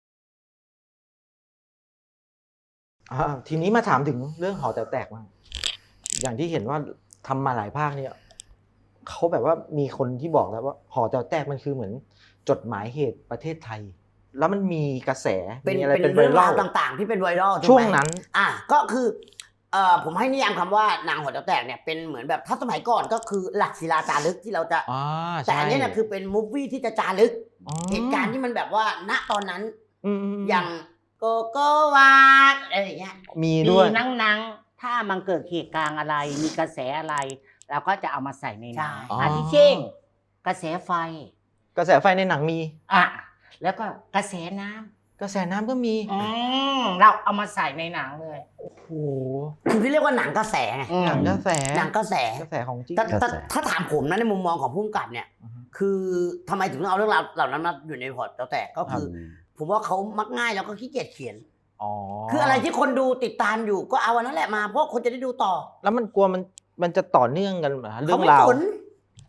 [SPEAKER 1] อ่าทีนี้มาถามถึงเรื่องหอแต๋วแตกบ้างอย่างที่เห็นว่าทำมาหลายภาคเนี่ยเขาแบบว่ามีคนที่บอกแล้วว่าหอแต๋วแตกมันคือเหมือนจดหมายเหตุประเทศไทย แล้วมันมีกระแส
[SPEAKER 3] เป็น
[SPEAKER 1] มีอะไร
[SPEAKER 3] เป็น
[SPEAKER 1] เป็นไว
[SPEAKER 3] เรื่อง
[SPEAKER 1] รั
[SPEAKER 3] ราว
[SPEAKER 1] ล
[SPEAKER 3] ต่างๆ ที่เป็นไวรัลถูกไหม
[SPEAKER 1] ช่วงนั้น
[SPEAKER 3] อ่ะก็คือเอ่อผมให้นิยามคำว่าหนังหอแต๋วแตกเนี่ยเป็นเหมือนแบบถ้าสมัยก่อนก็คือหลักศิลาจารึกที่เราจะ
[SPEAKER 1] อ่า
[SPEAKER 3] แต่อันเนี้ยเนี่ยคือเป็นมูฟวี่ที่จะจารึก
[SPEAKER 1] อ๋อ
[SPEAKER 3] เหตุการณ์ที่มันแบบว่าณตอนนั้น
[SPEAKER 1] อืมอืม
[SPEAKER 3] อย่างโกโกวาอะไรอย่างเงี้ย
[SPEAKER 1] มี
[SPEAKER 2] มี
[SPEAKER 1] ด้วย
[SPEAKER 2] นังนังๆถ้ามันเกิดเหตุการณ์อะไร มีกระแสอะไรเราก็จะเอามาใส่ในหนัง
[SPEAKER 3] ใช่
[SPEAKER 2] อาทิเช่นกระแสไฟ
[SPEAKER 1] กระแสไฟในหนังมี
[SPEAKER 2] อ่ะแล้วก็กระแสน้ำ
[SPEAKER 1] กระแสน้ำก็มี
[SPEAKER 2] อืมเราเอามาใส่ในหนังเลย
[SPEAKER 1] โอ้โห
[SPEAKER 3] คือที่เรียกว่าหนังกระแสไง
[SPEAKER 2] อืม
[SPEAKER 1] หนังกระแส
[SPEAKER 3] หนังกระแส
[SPEAKER 1] กระแสของจริง
[SPEAKER 3] แต่แต่
[SPEAKER 6] กระแส
[SPEAKER 3] ถ้าถามผมนะในมุมมองของผู้กำกับเนี่ย
[SPEAKER 1] อือฮึ
[SPEAKER 3] คือทำไมถึงต้องเอาเรื่องราวเหล่านั้นมาอยู่ในพอร์ตแล้วแต่ก็คือ ผมว่าเขามักง่ายแล้วก็ขี้เกียจเขียน
[SPEAKER 1] อ๋อ
[SPEAKER 3] คืออะไรที่คนดูติดตามอยู่ก็เอาอันนั้นแหละมาเพราะคนจะได้ดูต่อ
[SPEAKER 1] แล้วมันกลัวมันมันจะต่อเนื่องกันเหรอเรื่
[SPEAKER 3] เขา
[SPEAKER 1] อง
[SPEAKER 3] ไม่
[SPEAKER 1] ราว
[SPEAKER 3] สน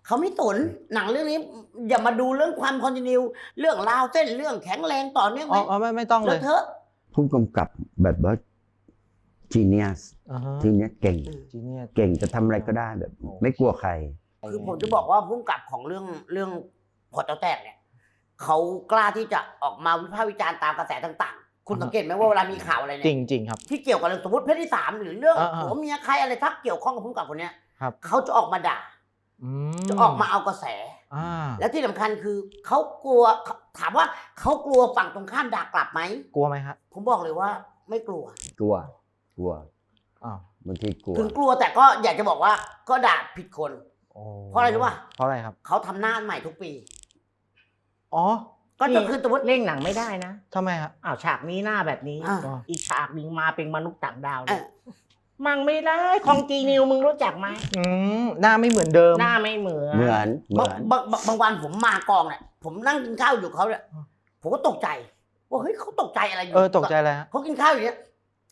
[SPEAKER 3] เขาไม่สนหนังเรื่องนี้ อย่ามาดูเรื่องความคอนติเนียเรื่องราวเส้นเรื่องแข็งแรงต่อเนื่อง
[SPEAKER 1] อ๋
[SPEAKER 3] ไหม
[SPEAKER 1] ออ๋อไม่ไม่ต้องเล
[SPEAKER 3] แล้ว
[SPEAKER 1] ย
[SPEAKER 3] เถอะ
[SPEAKER 6] ผู้กำกับแบบว่า genius
[SPEAKER 1] อ่าฮะ
[SPEAKER 6] ทีเนี้ยเก่ง
[SPEAKER 1] จีเนียส
[SPEAKER 6] เก่งจะทำอะไรก็ได้แบบ ไม่กลัวใคร
[SPEAKER 3] คือผมจะบอกว่าพุ่งกับของเรื่องเรื่องพอเจ้าแตกเนี่ยเขากล้าที่จะออกมาวิพากษ์วิจารณ์ตามกระแสต่างๆ คุณสังเกตไหมว่าเวลามีข่าวอะไร
[SPEAKER 1] จ
[SPEAKER 3] เนี่
[SPEAKER 1] ริ
[SPEAKER 3] ย
[SPEAKER 1] งจริงครับ
[SPEAKER 3] ที่เกี่ยวกับเรื่องสมมติเพศที่สามหรือเรื่อง
[SPEAKER 1] อ่าๆ
[SPEAKER 3] ผัวเมียใครอะไรทักเกี่ยวข้องกับพุ่งกับคนเนี้ย
[SPEAKER 1] ครับ
[SPEAKER 3] เขาจะออกมาด่า
[SPEAKER 1] อืม
[SPEAKER 3] จะออกมาเอากระแส
[SPEAKER 1] อ่า
[SPEAKER 3] และที่สำคัญคือเขากลัวถามว่าเขากลัวฝั่งตรงข้ามด่ากลับไหม
[SPEAKER 1] กลัวไหมครับ
[SPEAKER 3] ผมบอกเลยว่าไม่กลัว
[SPEAKER 6] กลัว กลัว
[SPEAKER 1] อ้าว
[SPEAKER 6] บางทีกลัว
[SPEAKER 3] ถึงกลัวแต่ก็อยากจะบอกว่าก็ด่าผิดคน
[SPEAKER 1] โอ้
[SPEAKER 3] เพราะอะไรรู้ป่ะ
[SPEAKER 1] เพราะอะไรครับ
[SPEAKER 3] เขาทำหน้าใหม่ทุกปี
[SPEAKER 1] อ๋อ
[SPEAKER 3] ก็จะคือสมมติ
[SPEAKER 2] เล่นหนังไม่ได้นะ
[SPEAKER 1] ทำไมครับ
[SPEAKER 2] อ้าวฉากนี้หน้าแบบนี้
[SPEAKER 3] อ่า
[SPEAKER 2] อีกฉากหนึงมาเป็นมนุษย์ต่างดาว
[SPEAKER 3] เอ
[SPEAKER 2] เนี่ย
[SPEAKER 3] อ
[SPEAKER 2] มังไม่ได้ของจีนิวมึงรู้จักไหม
[SPEAKER 1] อืมหน้าไม่เหมือนเดิม
[SPEAKER 2] หน้าไม่เหมือน
[SPEAKER 6] เหมือนเหมื
[SPEAKER 3] บาง
[SPEAKER 6] อน
[SPEAKER 3] บางบางบางวันผมมากองเนี่ยผมนั่งกินข้าวอยู่กับเขาเนี่ย
[SPEAKER 1] อ่า
[SPEAKER 3] ผมก็ตกใจว่าเฮ้ยเขาตกใจอะไรอยู่
[SPEAKER 1] เออตกใจเลยฮะ
[SPEAKER 3] เขากินข้าวอยู่เนี่ย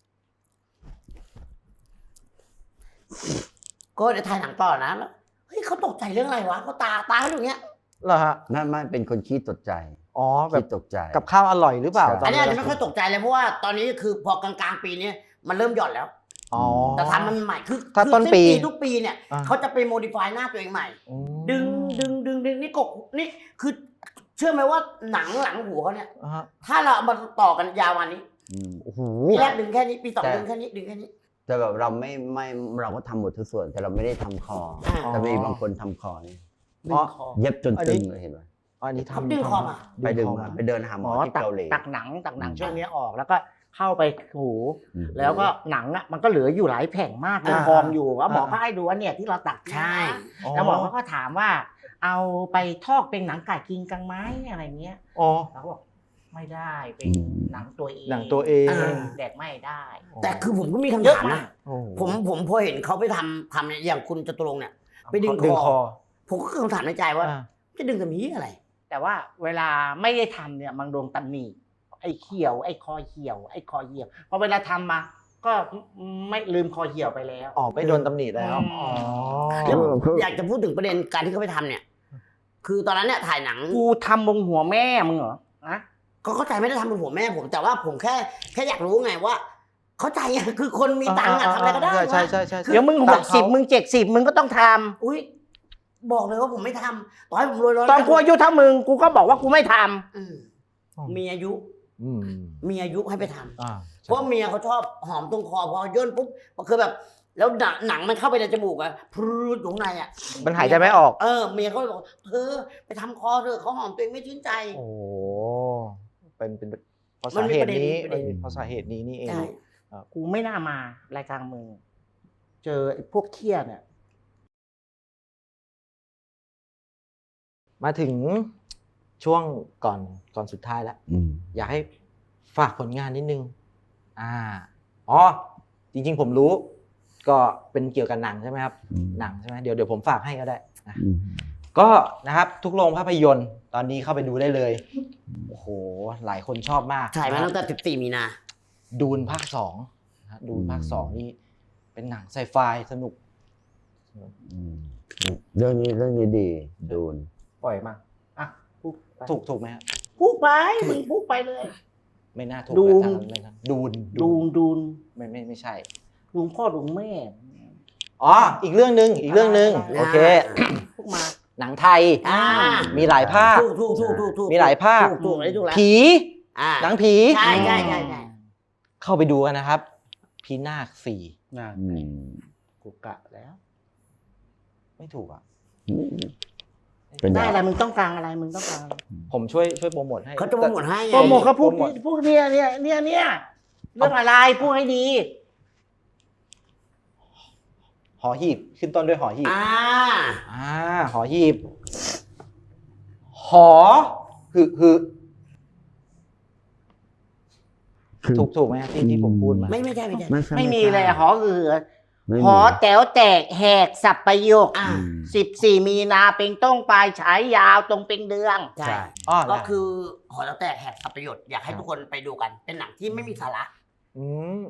[SPEAKER 3] ก็จะถ่ายหนังต่อนะแล้วเฮ้ยเขาตกใจเรื่องอะไรวะเขาตาตาเขาอยู่เนี้ย
[SPEAKER 1] เหรอฮะ
[SPEAKER 6] ไม่ไม่เป็นคนขี้ตกใจ
[SPEAKER 1] อ๋อแบ
[SPEAKER 6] ขี้
[SPEAKER 1] บ
[SPEAKER 6] ตกใจ
[SPEAKER 1] กับข้าวอร่อยหรือเปล่า
[SPEAKER 6] ใช่
[SPEAKER 1] ต
[SPEAKER 3] อันนี้อาจ
[SPEAKER 1] เว
[SPEAKER 3] จะ
[SPEAKER 1] ลา
[SPEAKER 3] ไม่ค่อยตกใจเลยเพราะว่าตอนนี้คือพอกลางๆปีนี้มันเริ่มหย่อนแล้ว
[SPEAKER 1] อ๋อ
[SPEAKER 3] แต่ทำมันใหม่คือ
[SPEAKER 1] ถ้า
[SPEAKER 3] คือ
[SPEAKER 1] ต้นปี
[SPEAKER 3] สิ้ทุกปีเนี่ย
[SPEAKER 1] อ่า
[SPEAKER 3] เขาจะไปโมดิฟายหน้าตัวเองใหม่
[SPEAKER 1] อืม
[SPEAKER 3] ดึงดึงดึงดึงนี่กกนี่คือเชื่อไหมว่าหนังหลังหัวเขาเนี่ย
[SPEAKER 1] อ่าฮะ
[SPEAKER 3] ถ้าเราเอามาต่อกันยาววันนี้
[SPEAKER 6] อืม
[SPEAKER 1] โอ้โห
[SPEAKER 3] ปีแรกดึงแค่นี้ปีสอง
[SPEAKER 6] แต่
[SPEAKER 3] ดึงแค่นี้ดึงแค่นี้
[SPEAKER 6] แต่แบบเราไม่ไม่เราก็ทำหมดทุกส่วน แต่เราไม่ได้ทำคอ
[SPEAKER 3] อ่า
[SPEAKER 6] แต่มีบางคนทำคอนี่
[SPEAKER 3] ดึงคอ
[SPEAKER 6] เย็บจน
[SPEAKER 1] อัน
[SPEAKER 6] ตึ
[SPEAKER 1] นี้
[SPEAKER 6] งเลยเห็นไหม
[SPEAKER 1] อ๋ออันนี้
[SPEAKER 3] เขา
[SPEAKER 1] ทำ
[SPEAKER 3] ดึงคอมา
[SPEAKER 6] ไปดึง
[SPEAKER 1] คอ
[SPEAKER 6] มาไปเดินหาหม
[SPEAKER 2] อ๋
[SPEAKER 6] อ
[SPEAKER 2] อ
[SPEAKER 6] ที่
[SPEAKER 2] ตัก
[SPEAKER 6] เกาหลี
[SPEAKER 2] ตักหนังตักหนัง
[SPEAKER 6] อืม
[SPEAKER 2] ช่วงนี้ออกแล้วก็เข้าไปหู
[SPEAKER 6] อืม
[SPEAKER 2] แล้วก็หนังอ่ะมันก็เหลืออยู่หลายแผงมากเลย
[SPEAKER 3] อ่า
[SPEAKER 2] กองอยู่ว่าหมอก็ให้ดูว่าเนี่ยที่เราตักเนี่ยนะ
[SPEAKER 3] ใช่
[SPEAKER 2] แล้วหมอเขาก็ถามว่า เอาไปทอกเป็นหนังไก่กินกันไหมอะไรเงี้ย
[SPEAKER 1] อ๋อ
[SPEAKER 2] เราก็บอกไม่ได้เป็น
[SPEAKER 6] อืม
[SPEAKER 2] หนังตัวเอง
[SPEAKER 1] หนังตัวเอง
[SPEAKER 3] อ่า
[SPEAKER 2] แดกไม่ได้
[SPEAKER 3] แต่คือผมก็มีคำ
[SPEAKER 2] เยอะ
[SPEAKER 3] ถาม
[SPEAKER 2] มา
[SPEAKER 3] นะ
[SPEAKER 2] ก
[SPEAKER 1] โอ้โห
[SPEAKER 3] ผมผมพอเห็นเขาไปทำทำเนี่ยอย่างคุณจตุรงค์เนี่ย ไปดึง
[SPEAKER 1] ดึง
[SPEAKER 3] ค
[SPEAKER 1] ค
[SPEAKER 3] อ
[SPEAKER 1] อ
[SPEAKER 3] ผมก็คำถามในใจว่า
[SPEAKER 1] อ่า
[SPEAKER 3] จะดึงทำนี้อะไร
[SPEAKER 2] แต่ว่าเวลาไม่ได้ทำเนี่ยมันโดนตำหนิไอ้เขียว ไอ้คอเหี่ยว ไอ้คอเหี่ยวพอเวลาทำมา ก็ไม่ลืมคอเหี่ยวไปแล้ว
[SPEAKER 1] ออกไปโดนตำหนิแล้ว
[SPEAKER 2] อืม
[SPEAKER 1] อ๋อ
[SPEAKER 3] แล้วอยากจะพูดถึงประเด็นการที่เขาไปทำเนี่ย คือตอนนั้นเนี่ยถ่ายหนัง
[SPEAKER 2] กูทำบงหัวแม่มึงเหรอนะ
[SPEAKER 3] ก็เข้าใจไม่ได้ทำเป็นหัวแม่ผมแต่ว่าผมแค่แค่อยากรู้ไงว่า เข้าใจอะคือคนมีตังค์อะทำอะไรก็ได้
[SPEAKER 1] ใช่ใช่
[SPEAKER 3] วะ
[SPEAKER 1] ใช่ใช่
[SPEAKER 2] เดี๋ยวมึงห
[SPEAKER 1] ตั
[SPEAKER 2] ก
[SPEAKER 1] งค์
[SPEAKER 2] สิบ
[SPEAKER 1] เขา
[SPEAKER 2] มึงเจ็ดสิบมึงก็ต้องท
[SPEAKER 3] อุ้ยบอกเลยว่าผมไม่ทำต่อให้ผมรวยร้อย
[SPEAKER 2] ำตอนกูอายุเท่ามึงกูก็บอกว่ากูไม่ทำ
[SPEAKER 3] อืมมีอายุ
[SPEAKER 1] อืม
[SPEAKER 3] มีอายุให้ไปทำ
[SPEAKER 1] อ่า
[SPEAKER 3] เพราะเมียเขาชอบหอมตรงคอพอย่นปุ๊บก็คือแบบ แล้วหนังหนังมันเข้าไปในจมูกอะพรูดอยู่ข้างในอะ
[SPEAKER 1] มันหายใจไม่ออก
[SPEAKER 3] เออเมียเขาบอกเธอไปทำคอเธอเขาหอมตัวเองไม่ชื่นใจ
[SPEAKER 1] โอ้โหเป็นเป็นเพราะ
[SPEAKER 3] มัน
[SPEAKER 1] สา
[SPEAKER 3] มี
[SPEAKER 1] เห
[SPEAKER 3] ประ
[SPEAKER 1] ตุ
[SPEAKER 3] เด็น
[SPEAKER 1] นี้
[SPEAKER 3] มีประเด็น
[SPEAKER 1] เพราะสาเหตุนี้นี่เอง
[SPEAKER 3] ใช่
[SPEAKER 2] กูไม่น่ามารายการมึงเจอไอ้พวกเคี้ยเนี่ย
[SPEAKER 1] มาถึงช่วงก่อนก่อนสุดท้ายแล้ว
[SPEAKER 6] อืม
[SPEAKER 1] อยากให้ฝากผลงานนิดนึง อ่า อ๋อ จริงๆผมรู้ ก็เป็นเกี่ยวกับหนังใช่ไหมครับ
[SPEAKER 6] อืม
[SPEAKER 1] หนังใช่ไหมเดี๋ยวเดี๋ยวผมฝากให้ก็ได้นะ
[SPEAKER 6] อืม
[SPEAKER 1] ก็นะครับ ทุกโรงภาพยนตร์ตอนนี้เข้าไปดูได้เลย โอ้โห หลายคนชอบมาก
[SPEAKER 3] ถ่ายมาตั้งแต่สิบสี่มีนา
[SPEAKER 1] ดูนภาคสองนะดูนภาคสองนี่เป็นหนังไซไฟสนุก
[SPEAKER 6] อืมเรื่องนี้เรื่องนี้ดีดูน
[SPEAKER 2] ปล่อยมาอ่ะพูดไป
[SPEAKER 1] ถูกถูกไหมครับ
[SPEAKER 2] พูดไปมึงพูดไปเลย
[SPEAKER 1] ไม่น่าถูก
[SPEAKER 2] ดูน
[SPEAKER 1] นะทางนั้นไม่ทันดูน
[SPEAKER 2] ดูนดูน
[SPEAKER 1] ไม่ไม่ไม่ใช่
[SPEAKER 2] ลุงพ่อลุงแม่
[SPEAKER 1] อ๋อ อีกเรื่องหนึ่งอีกเรื่องหนึ่ง
[SPEAKER 3] อ่า
[SPEAKER 1] โอเค
[SPEAKER 2] พูดมา
[SPEAKER 1] หนังไทย
[SPEAKER 3] อ่า
[SPEAKER 1] มีหลายภาค
[SPEAKER 3] ถูกถูกถูกถูกถูก
[SPEAKER 1] มีหลายภาค
[SPEAKER 3] ถูกถูกอันนี้ถูกแล้ว
[SPEAKER 1] ผี
[SPEAKER 3] อ่า
[SPEAKER 1] หนังผี
[SPEAKER 3] ใช่ใช่ใช่ใช่
[SPEAKER 1] เข้าไปดูกันนะครับ พีนาคสี่
[SPEAKER 2] น่ะ
[SPEAKER 6] อืม
[SPEAKER 2] กูกะแล้ว
[SPEAKER 1] ไม่ถูกอ่ะ
[SPEAKER 6] เป็น
[SPEAKER 2] ได้
[SPEAKER 6] ไง
[SPEAKER 2] อะไรมึงต้องการอะไรมึงต้องการอะไร
[SPEAKER 1] ผมช่วยช่วยโปรโมทให้
[SPEAKER 3] เขาจะโปรโมทให้ไง
[SPEAKER 2] โปรโมทเขาพูด
[SPEAKER 1] โปรโมท
[SPEAKER 2] พูดเนี่ยเนี่ยเนี่ยเนี่ยเรื่องอะไรพูดให้ดี
[SPEAKER 1] หอหีบขึ้นต้นด้วยหอหีบ
[SPEAKER 3] อ่า
[SPEAKER 1] อ่าหอหีบ หอคือคือ
[SPEAKER 6] คือ
[SPEAKER 1] ถูกถูกไหมครับที่ที่ผมพูดมา
[SPEAKER 3] ไม่ไม่ใช่ไม่ใช่
[SPEAKER 6] ไม่ใช่
[SPEAKER 2] ไม่มีเลยหอเอือ
[SPEAKER 6] ไม่มี
[SPEAKER 2] หอแต๋วแตกแหกสับประโยค
[SPEAKER 3] อ่า
[SPEAKER 6] อืม
[SPEAKER 2] สิบสี่มีนาเป็นต้องปลายฉายยาวตรงเป็นเดือง
[SPEAKER 3] ใช่
[SPEAKER 1] อ๋อ
[SPEAKER 3] ก็
[SPEAKER 1] ได้
[SPEAKER 3] คือหอแล้วแต่แหกสับประโยชน์อยากให้ทุกคนไปดูกัน เป็นหนังที่ไม่มีสาระ
[SPEAKER 1] อืม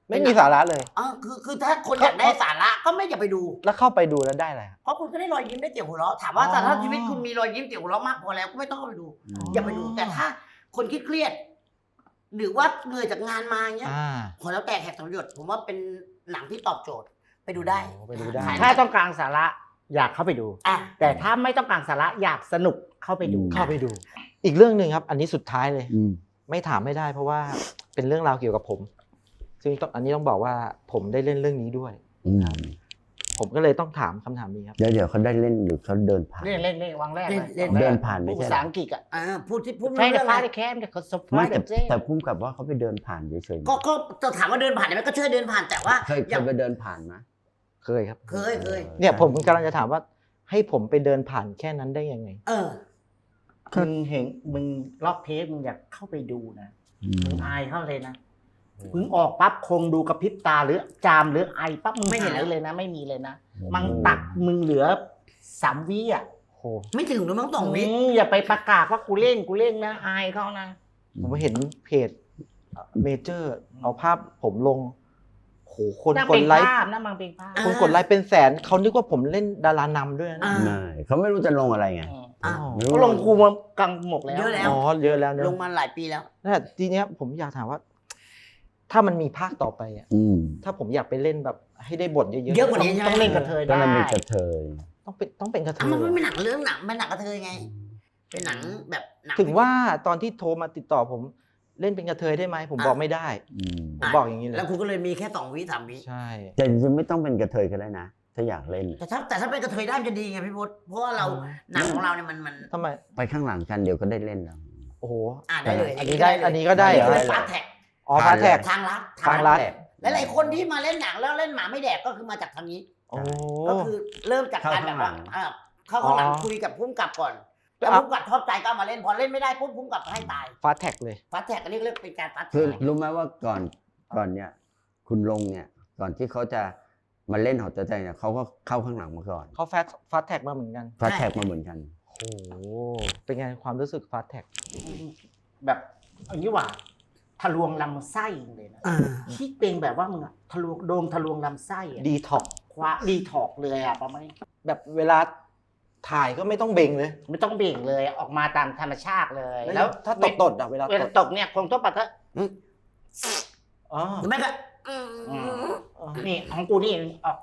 [SPEAKER 1] ไม่มีสาระเลย
[SPEAKER 3] เออคือคือถ้าคนอยากได้สาระก็ไม่อย่าไปดู
[SPEAKER 1] แล้วเข้าไปดูแล้วได้อะไรครับ
[SPEAKER 3] เพราะคุณก็ได้รอยยิ้มได้เสียงหัวเราะถามว่า
[SPEAKER 1] อ๋อ
[SPEAKER 3] แต่ถ้าชีวิตคุณมีรอยยิ้มเสียงหัวเราะมากพอแล้วก็ไม่ต้องเข้าไปดู อย่าไปดู แต่ถ้าคนเครียดๆหรือว่าเหนื่อยจากงานมาเงี้ย
[SPEAKER 1] อ่า
[SPEAKER 3] พอแล้วแต่แหกสังหยดผมว่าเป็นหนังที่ตอบโจทย์ไปดูได้
[SPEAKER 1] โอ้ไปดูได้
[SPEAKER 3] ถ่ย
[SPEAKER 2] ถ้าต้องการสาระอยากเข้าไปดู
[SPEAKER 3] อ่ะ
[SPEAKER 2] แต่ถ้าไม่ต้องการสาระอยากสนุกเข้าไปดู
[SPEAKER 1] เข้าไปดู อีกเรื่องหนึ่งครับ อันนี้สุดท้ายเลย
[SPEAKER 6] อืม
[SPEAKER 1] ไม่ถามไม่ได้เพราะว่าเป็นเรื่องราวเกี่ยวกับผม ซึ่งต้องอันนี้ต้องบอกว่าผมได้เล่นเรื่องนี้ด้วย
[SPEAKER 6] อืม
[SPEAKER 1] ผมก็เลยต้องถามคำถามนี้ครับ
[SPEAKER 6] เดี๋ยวเดี๋ยวเขาได้เล่นหรือเขาเดินผ่าน
[SPEAKER 2] เล่นเล่นเล่นวางแรกเลย
[SPEAKER 3] เล่น
[SPEAKER 6] เดินผ่านไม่
[SPEAKER 2] พูด
[SPEAKER 6] ใช่
[SPEAKER 2] ภาษาอังกฤษอ่ะ
[SPEAKER 3] อ่าพูดที่พูด
[SPEAKER 2] ไฟ
[SPEAKER 3] ไม่
[SPEAKER 2] เด
[SPEAKER 3] เรื่
[SPEAKER 2] อะ
[SPEAKER 3] อง
[SPEAKER 2] ฟ้า
[SPEAKER 3] อะไร
[SPEAKER 2] เดอะแคมเดอะคอสไฟ
[SPEAKER 6] ไม่
[SPEAKER 2] เด
[SPEAKER 6] แต่
[SPEAKER 2] อะเจ๊
[SPEAKER 6] แต่พุ่มกับว่าเขาไปเดินผ่านเฉยๆ
[SPEAKER 3] ก็ก็จะถามว่าเดินผ่านไหมก็เชื่อเดินผ่านแต่ว่า
[SPEAKER 6] เคยเค
[SPEAKER 3] อย่าง
[SPEAKER 6] ยไปเดินผ่านไหม
[SPEAKER 1] เคยครับ
[SPEAKER 3] เคยเคย
[SPEAKER 1] เนี่ยผมกำลังจะถามว่าให้ผมไปเดินผ่านแค่นั้นได้ยังไง
[SPEAKER 3] เออ
[SPEAKER 2] มึงเห็นมึงล็อกเทปมึงอยากเข้าไปดูนะ
[SPEAKER 6] อื
[SPEAKER 2] มึ
[SPEAKER 6] ม
[SPEAKER 2] งอายเข้าเลยนะมึงออกปั๊บคงดูกระพริบตาหรือจามหรือไอปั๊บมึง
[SPEAKER 3] ไม่เห็น
[SPEAKER 2] หา
[SPEAKER 3] แล้
[SPEAKER 2] ยว เลยนะ ไม่มีเลยนะมันตัดมึงเหลือสามวิอ่ะ
[SPEAKER 1] โห
[SPEAKER 3] ไม่ถึงหรือมั้งสองวิ
[SPEAKER 2] อืมอย่าไปประกาศว่ากูเล่นกูเล่นนะอายเขานะ
[SPEAKER 1] ผมเห็นเพจเมเจอร์เอาภาพผมลงโหคน
[SPEAKER 2] นั่ง
[SPEAKER 1] ก
[SPEAKER 2] เป็
[SPEAKER 1] ด
[SPEAKER 2] น
[SPEAKER 1] ไลค์
[SPEAKER 2] ภาพนะมังเป็นภาพ
[SPEAKER 1] คนกดไลค์เป็นแสนเขานึกว่าผมเล่นดารานำด้วยนะ
[SPEAKER 3] อ่า
[SPEAKER 6] ไม่เขาไม่รู้จะลงอะไรไง
[SPEAKER 3] อ่ะ
[SPEAKER 6] ไม่รู้
[SPEAKER 2] ก็ลงกูมากลางหมกแล้ว
[SPEAKER 3] เยอะแล้ว
[SPEAKER 1] อ๋อเยอะแล้วเนอะ
[SPEAKER 3] ลงมาหลายปีแล้ว
[SPEAKER 1] แต่ทีเนี้ยผมอยากถามว่า ถ้ามันมีภาคต่อไปอ่ะ
[SPEAKER 6] อืม
[SPEAKER 1] ถ้าผมอยากไปเล่นแบบให้ได้บทเยอะๆ
[SPEAKER 3] เยอะกว่านี้
[SPEAKER 2] ต้องเล่นกระเทย
[SPEAKER 6] ก็
[SPEAKER 2] ได้
[SPEAKER 6] มันมีกระเทย
[SPEAKER 1] ต้องเป็นต้องเป็นกระเท
[SPEAKER 3] อ่ะ
[SPEAKER 1] ย
[SPEAKER 3] มันไม่
[SPEAKER 1] เหร
[SPEAKER 3] เป็น
[SPEAKER 1] อ
[SPEAKER 3] หนังเรื่องหนังเป็นหนังกระเทยไง เป็นหนังแบบหนัง
[SPEAKER 1] ถึงว่าตอนที่โทรมาติดต่อผมเล่นเป็นกระเทยได้ไหมผมบอกไม่ได้
[SPEAKER 6] อืม
[SPEAKER 1] ผมบอกอย่างนี้เลย
[SPEAKER 3] แล้วคุณก็เลยมีแค่สองวิสามวิ
[SPEAKER 1] ใช่
[SPEAKER 6] แต่จริงๆไม่ต้องเป็นกระเทยก็ได้นะ ถ้าอยากเล่น
[SPEAKER 3] แต่ถ้าแต่ถ้าเป็นกระเทยได้มันจะดีไงพี่พศเพราะว่าเราหนังของเราเนี่ยมันมัน
[SPEAKER 1] ทำไม
[SPEAKER 6] ไปข้างหลังกันเดี๋ยวก็ได้เล่นแล้ว
[SPEAKER 1] โอ้โห
[SPEAKER 3] อ่านได้เลย
[SPEAKER 1] อันนี้ได้อันนี้ก็ได้เหรอ
[SPEAKER 3] ฟาสแท็ก
[SPEAKER 1] อ๋อฟาแท็ก
[SPEAKER 3] ทางลัด
[SPEAKER 1] ทางลัด
[SPEAKER 3] และหลายคนที่มาเล่นหนังแล้วเล่นหมาไม่แดกก็คือมาจากทางนี้
[SPEAKER 1] โอ้
[SPEAKER 3] ก็คือเริ่มจากการแบบว่าอ่าเข้าข้างหลัง
[SPEAKER 1] อ๋อ
[SPEAKER 3] คุยกับพุ่มกับก่อนแล้ว
[SPEAKER 1] อ่ะ
[SPEAKER 3] พุ่มกับชอบใจก็เอามาเล่นพอเล่นไม่ได้ปุ๊บพุ่มกับให้ตาย
[SPEAKER 1] ฟาแท็กเลย
[SPEAKER 3] ฟาสแท็กอันนี้เรียกเป็นการฟาส
[SPEAKER 6] คือ
[SPEAKER 3] แท็ก
[SPEAKER 6] รู้ไหมว่าก่อนก่อนเนี่ย คุณลงเนี่ย ก่อนที่เขาจะมาเล่นหอตัวใจเนี่ยเขาก็เข้าข้างหลังมาก่อน
[SPEAKER 1] เขาแฟาฟาแท็กมาเหมือนกัน
[SPEAKER 6] ฟาแท็กมาเหมือนกัน
[SPEAKER 1] โอ้โหเป็นไงความรู้สึกฟาแท็ก
[SPEAKER 2] แบบอันนี้ว่าทะลวงลำไส้เลยนะ
[SPEAKER 3] อ่า
[SPEAKER 2] ที่เป็นแบบว่ามึงอะทะลวงโดมทะลวงลำไส้อะ
[SPEAKER 1] ดีท็อก
[SPEAKER 2] คว้าดีถอกเลยอะประมาณนี้
[SPEAKER 1] แบบเวลาถ่ายก็ไม่ต้องเบ่งเลย
[SPEAKER 2] ไม่ต้องเบ่งเลยออกมาตามธรรมชาติเลย
[SPEAKER 1] แล้
[SPEAKER 2] แล้ว ว
[SPEAKER 1] ถ้าตดตดๆอ่ะเวลา
[SPEAKER 2] เว
[SPEAKER 1] ต
[SPEAKER 2] ลา
[SPEAKER 1] ด
[SPEAKER 2] ตกเนี่ยคงต้องปะทะ
[SPEAKER 1] อ๋อ
[SPEAKER 3] หรือไม่ก็อืม
[SPEAKER 1] อ๋อ
[SPEAKER 2] นี่ของกูนี่ออก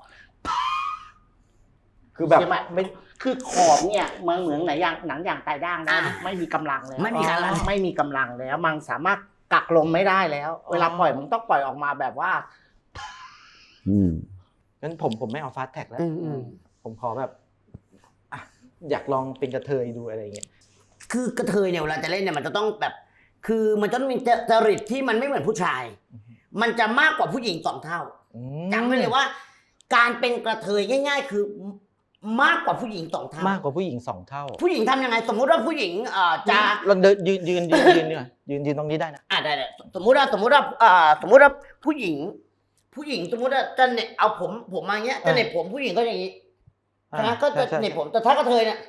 [SPEAKER 1] คือแบบ
[SPEAKER 2] ใช่ไหมไม่คือขอบเนี่ยมันเหมือนหนังยางหนังยางตายด่างนะ
[SPEAKER 3] อ่า
[SPEAKER 2] ไม่มีกำลังแล้ว
[SPEAKER 3] ไม่มีกำลัง
[SPEAKER 2] อ๋อไม่มีกำลังแล้ว มันสามารถกักลมไม่ได้แล้ว เวลาปล่อยมึงต้องปล่อยออกมาแบบว่า
[SPEAKER 6] อืม
[SPEAKER 1] งั้นผมผมไม่เอาฟาแท็กแล้ว
[SPEAKER 3] อืมอืม
[SPEAKER 1] ผมขอแบบอ่ะอยากลองเป็นกระเทยดูอะไรอย่างเงี้ย
[SPEAKER 3] คือกระเทยเนี่ยเวลาจะเล่นเนี่ยมันจะต้องแบบ คือมันจะต้องมีจริตที่มันไม่เหมือนผู้ชาย มันจะมากกว่าผู้หญิงสองเท่า
[SPEAKER 1] อืม
[SPEAKER 3] จำไว้เลยว่า การเป็นกระเทยง่าย ๆ คือมากกว่าผู้หญิงสองเท่าม
[SPEAKER 1] ากกว่าผู้หญิงสองเท่า
[SPEAKER 3] ผู้หญิงทำยังไง สมมุติว่าผู้หญิงเอ่อจะ
[SPEAKER 1] เราเดินยืนยืนยืนยืนเนี่ยยืนยืนตรงนี้ได้นะ
[SPEAKER 3] อ่าได้ได้สมมุติว่าสมมุติว่าเอ่อสมมุติว่าผู้หญิง ผู้หญิงสมมุติว่าจะเหน็บเอาผมผมมาอย่างเงี้ยจะเหน็บผมผู้หญิงก็อย่างนี้ใช่ไหมก็จะ
[SPEAKER 1] ใช่
[SPEAKER 3] เหน็บผมแต่ถ้ากระเทยเนี่ย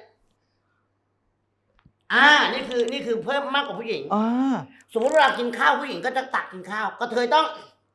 [SPEAKER 3] อ่านี่คือนี่คือเพิ่มมากกว่าผู้หญิง
[SPEAKER 1] อ่า
[SPEAKER 3] สมมติเวลากินข้าวผู้หญิงก็จะตักกินข้าวกระเทยต้อง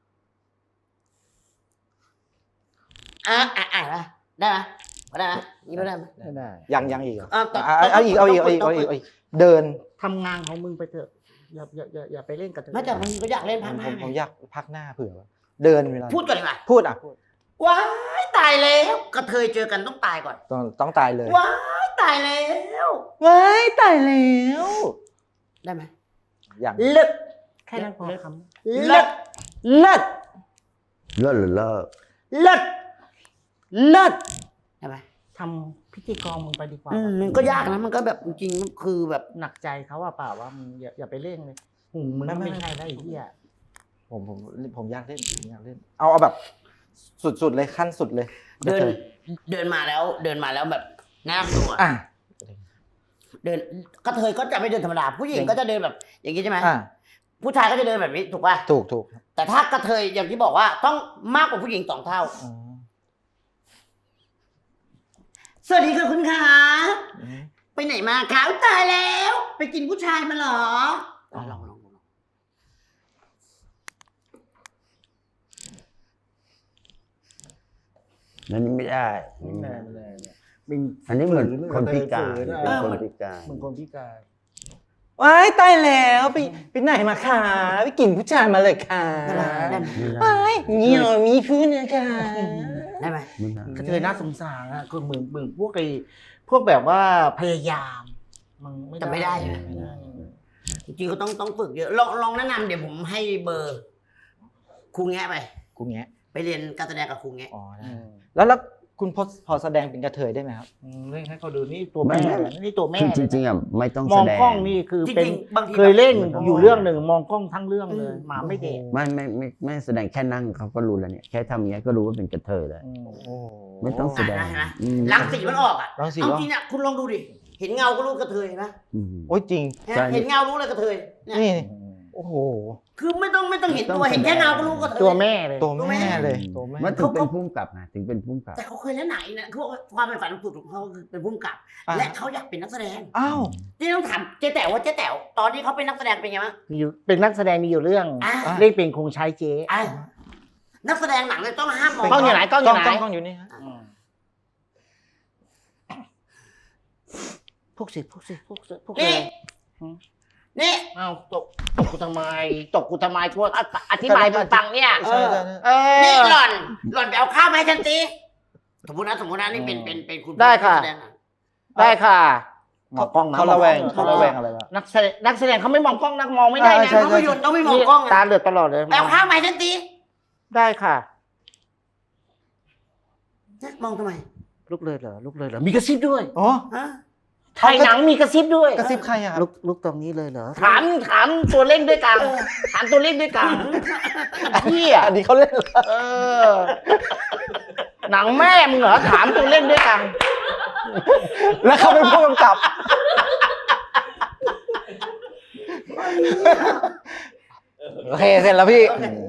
[SPEAKER 3] อ่าอ่าอ่าได้ไหมได้ไหมนี่ได้ไหม
[SPEAKER 2] ไม่ได้
[SPEAKER 1] ยังยังอีกเหรอ
[SPEAKER 3] อ่าต่อ
[SPEAKER 1] อ่ะเอาอีกเอาอีกเอาอีกเอาอีกเอาอีกเดิน
[SPEAKER 2] ทำงานของมึงไปเถอะอย่าอย่าอย่าอย่าไปเล่นกับเธอ
[SPEAKER 3] ไม่แต่มันก็อยากเล่น
[SPEAKER 1] ผ
[SPEAKER 3] พัก
[SPEAKER 1] ม
[SPEAKER 3] ห
[SPEAKER 1] ผ
[SPEAKER 3] น้าม
[SPEAKER 1] ผม
[SPEAKER 3] ไง
[SPEAKER 1] อยากพักหน้าเผื่อว่าเดินเวลา
[SPEAKER 3] พูดก่อนดีกว่า
[SPEAKER 1] พูดอ่ะพูด
[SPEAKER 3] ว้ายตายแล้วกระเทยเจอกันต้องตายก่อน
[SPEAKER 1] ต้องต้องตายเลย
[SPEAKER 3] ว้ายตายแล้ว
[SPEAKER 1] ว้ายตายแล้ว
[SPEAKER 3] ได้ไหม
[SPEAKER 1] อย่าง
[SPEAKER 3] เลิก
[SPEAKER 2] แค่นั้นพอค
[SPEAKER 3] เลิก
[SPEAKER 1] เลิศ
[SPEAKER 6] เลิกหรือเลิก
[SPEAKER 3] เลิก
[SPEAKER 1] เลิศ
[SPEAKER 3] ได้ไหม
[SPEAKER 2] ำทำพิธีกรมึงไปดีกว่า
[SPEAKER 3] อืมมันก็ยากนะมันก็แบบจริงๆคือแบบ
[SPEAKER 2] หนักใจเขาว่าเปล่าว่ามึงอย่าอย่าไปเล่นเลยหูมึงก็ไม่ใช่แล้วไอ้เหี้ย
[SPEAKER 1] ผมผมผมอยากเล่นผมอยากเล่น เอาเอาแบบ สุดๆเลยขั้นสุดเลย
[SPEAKER 3] เดินเดินมาแล้ว เดินมาแล้วแบบแน่ตัว
[SPEAKER 1] อ่ะ
[SPEAKER 3] เดินกระเทยก็จะไม่เดินธรรมดาผู้หญิงก็จะเดินแบบ อย่างนี้ใช่ไหม
[SPEAKER 1] อ่ะ
[SPEAKER 3] ผู้ชายก็จะเดินแบบนี้ถูกป่ะ
[SPEAKER 1] ถูกถูก
[SPEAKER 3] แต่ถ้ากระเทยอย่างที่บอกว่าต้องมากกว่าผู้หญิงสองเท่า
[SPEAKER 1] อ๋อ
[SPEAKER 3] สวัสดีค่ะคุณขา
[SPEAKER 1] อืม
[SPEAKER 3] ไปไหนมาคะอุ๊ยตายแล้ว ไปกินผู้ชายมาเหรอลองลองลองลอง
[SPEAKER 6] นั่นนี่ไม่ได้นี่
[SPEAKER 2] ไม่
[SPEAKER 6] ไม่
[SPEAKER 2] ได้
[SPEAKER 6] ได้
[SPEAKER 2] ไม่ได้มึง
[SPEAKER 6] อันนี้เหมือนคนพิการ
[SPEAKER 2] ฝืนอะ
[SPEAKER 6] เป็นคนพิการ
[SPEAKER 2] มึงคนพิการ
[SPEAKER 1] ว้ายตายแล้วไปไปไหนมาคะไปกินผู้ชายมาเลยค่ะ
[SPEAKER 3] ได้ไหมได้ไหม
[SPEAKER 6] ไม่ได้
[SPEAKER 1] ว้ายเหี่ยวมีพื้นนะคะ
[SPEAKER 3] ได้ไหม
[SPEAKER 6] ไม่ได้
[SPEAKER 2] กระเทยน่าสงสารอ่ะคือมึงมึงพวกไอ้พวกแบบว่าพยายามมึงไม่
[SPEAKER 3] แต่ไม่ได้
[SPEAKER 2] ไม่ได้
[SPEAKER 3] จริงๆก็ต้องต้องฝึกเยอะลองลองแนะนำเดี๋ยวผมให้เบอร์ครูแงะไป
[SPEAKER 1] กูแงะ
[SPEAKER 3] ไปเรียนการแสดงกับครูแงะ
[SPEAKER 1] อ๋อได้
[SPEAKER 2] อืม
[SPEAKER 1] แล้วแล้วคุณพอพอแสดงเป็นกระเทยได้ไหมครับ
[SPEAKER 2] อืมเล่นให้เขาดูนี่ตัวแม่นี่ตัวแม่
[SPEAKER 6] คือจริงๆอ่ะไม่ต้อง
[SPEAKER 2] ม
[SPEAKER 6] แส
[SPEAKER 2] อง
[SPEAKER 6] ดง
[SPEAKER 2] กล้องนี่คือ
[SPEAKER 3] จ
[SPEAKER 2] เป็น
[SPEAKER 3] ริงๆบางที
[SPEAKER 2] เคยเล่น
[SPEAKER 6] แบบ
[SPEAKER 2] อยู่เรื่องหนึ่งมองกล้องทั้งเรื่องเลยหมาไม่เด็ก
[SPEAKER 6] ไม่ไม่ไม่ไม่แสดงแค่นั่งเขาก็รู้แล้วเนี่ยแค่ทำอย่างเงี้ยก็รู้ว่าเป็นกระเทยแล้ว
[SPEAKER 2] อืม
[SPEAKER 1] โอ้
[SPEAKER 6] ไม่ต้องแสดง
[SPEAKER 3] อ่ะนะ
[SPEAKER 6] อืม
[SPEAKER 3] รังสีมันออกอ่ะ
[SPEAKER 1] รังสี
[SPEAKER 3] เอา
[SPEAKER 1] ออก
[SPEAKER 3] จริงอ่ะคุณลองดูดิเห็นเงาก็รู้กระเทยนะ
[SPEAKER 6] อืม
[SPEAKER 1] โอ้ยจริง
[SPEAKER 3] ฮะ
[SPEAKER 6] ใช่
[SPEAKER 3] เห็นเงารู้เลยกระเทยเนี่ย
[SPEAKER 1] นี่โอ้โห
[SPEAKER 3] คือไม่ต้องไม่ต้องเห็นตัวเห็นแค่เงาก็รู้กระเทย
[SPEAKER 2] ตัวแม่เลย
[SPEAKER 1] ตัวแม่เลยตัวแม่
[SPEAKER 6] มันถึงเป็นพุ่มกับนะถึงเป็นพุ่มกับ
[SPEAKER 3] แต่เขาเคยเล่นไหนนะคือว่าความเป็นฝันของสุดของเขาคือเป็นผู้กำกับ
[SPEAKER 1] อ่ะ
[SPEAKER 3] และเขาอยากเป็นนักแสดง
[SPEAKER 1] อ้าว
[SPEAKER 3] ที่ต้องถามเจ๊แต๋วว่าเจ๊แต๋วตอนที่เขาเป็นนักแสดงเป็นไงบ้าง
[SPEAKER 2] มีอยู่เป็นนักแสดงมีอยู่เรื่อง
[SPEAKER 3] อ่ะ
[SPEAKER 1] อ่ะ
[SPEAKER 2] เรียกเป็นคงใช้เจ๊
[SPEAKER 3] อ่ะนักแสดงหนังเลยต้องห้ามมอง
[SPEAKER 2] กล้องอยู่ไหนกล้องอยู่ไหน
[SPEAKER 1] กล้องกล้องอยู่นี่ฮะ
[SPEAKER 2] อืมพวกสิพวกสิพวกสิพวก
[SPEAKER 3] นี่
[SPEAKER 2] เลย
[SPEAKER 3] นี่
[SPEAKER 2] เอ้าตกตกกูทำไมตกกูทำไมทวดอ่ะอธิบายมึงฟังเนี่ย
[SPEAKER 3] เอ
[SPEAKER 1] ใช่
[SPEAKER 3] อ
[SPEAKER 1] ใช่ใช่
[SPEAKER 2] เออ
[SPEAKER 3] นี่หล่อน หล่อนไปเอาข้าวมาให้ฉันสิสมมตินะสมมตินะนี่เป็นเป็นเป็นคุณ
[SPEAKER 2] ได้ค่ะ
[SPEAKER 3] นักแสดงหนัง
[SPEAKER 2] ได้ค่ะมองกล้องนะ
[SPEAKER 1] เขาระแวง
[SPEAKER 2] มองกล้
[SPEAKER 1] เขา
[SPEAKER 2] อง
[SPEAKER 1] ระแวงอะไรวะ
[SPEAKER 2] นักแสดงนักแสดงเขาไม่มองกล้องนักมองไม่ได้
[SPEAKER 1] อ่า
[SPEAKER 2] นะ
[SPEAKER 1] ใช่
[SPEAKER 3] ภาพยนตร์ต้องไม่มองกล้อง
[SPEAKER 2] ตา
[SPEAKER 3] นะ
[SPEAKER 2] เหลือกตลอดเลย
[SPEAKER 3] ไปเอาข้าวมาให้ฉันสิ
[SPEAKER 2] ได้ค่ะ
[SPEAKER 3] มองทำไม
[SPEAKER 2] ลุกเลยเหรอลุกเลยเหรอมีกระซิบด้วย
[SPEAKER 1] อ๋อ
[SPEAKER 3] ฮะ
[SPEAKER 2] ถ่ายหนังมีกระซิบด้วย
[SPEAKER 1] กระซิบใครอะครับ
[SPEAKER 2] ลุกลุกตรงนี้เลยเหรอถามถามตัวเล่นด้วยกันถามตัวเล่นด้วยกันเฮีย
[SPEAKER 1] อันนี้เขาเล่นเหรอ
[SPEAKER 2] เออ หนังแม่มึงเหรอถามตัวเล่นด้วยกัน
[SPEAKER 1] แล้วเขาเป็นผู้กำกับ โอเคเสร็จแล้วพี่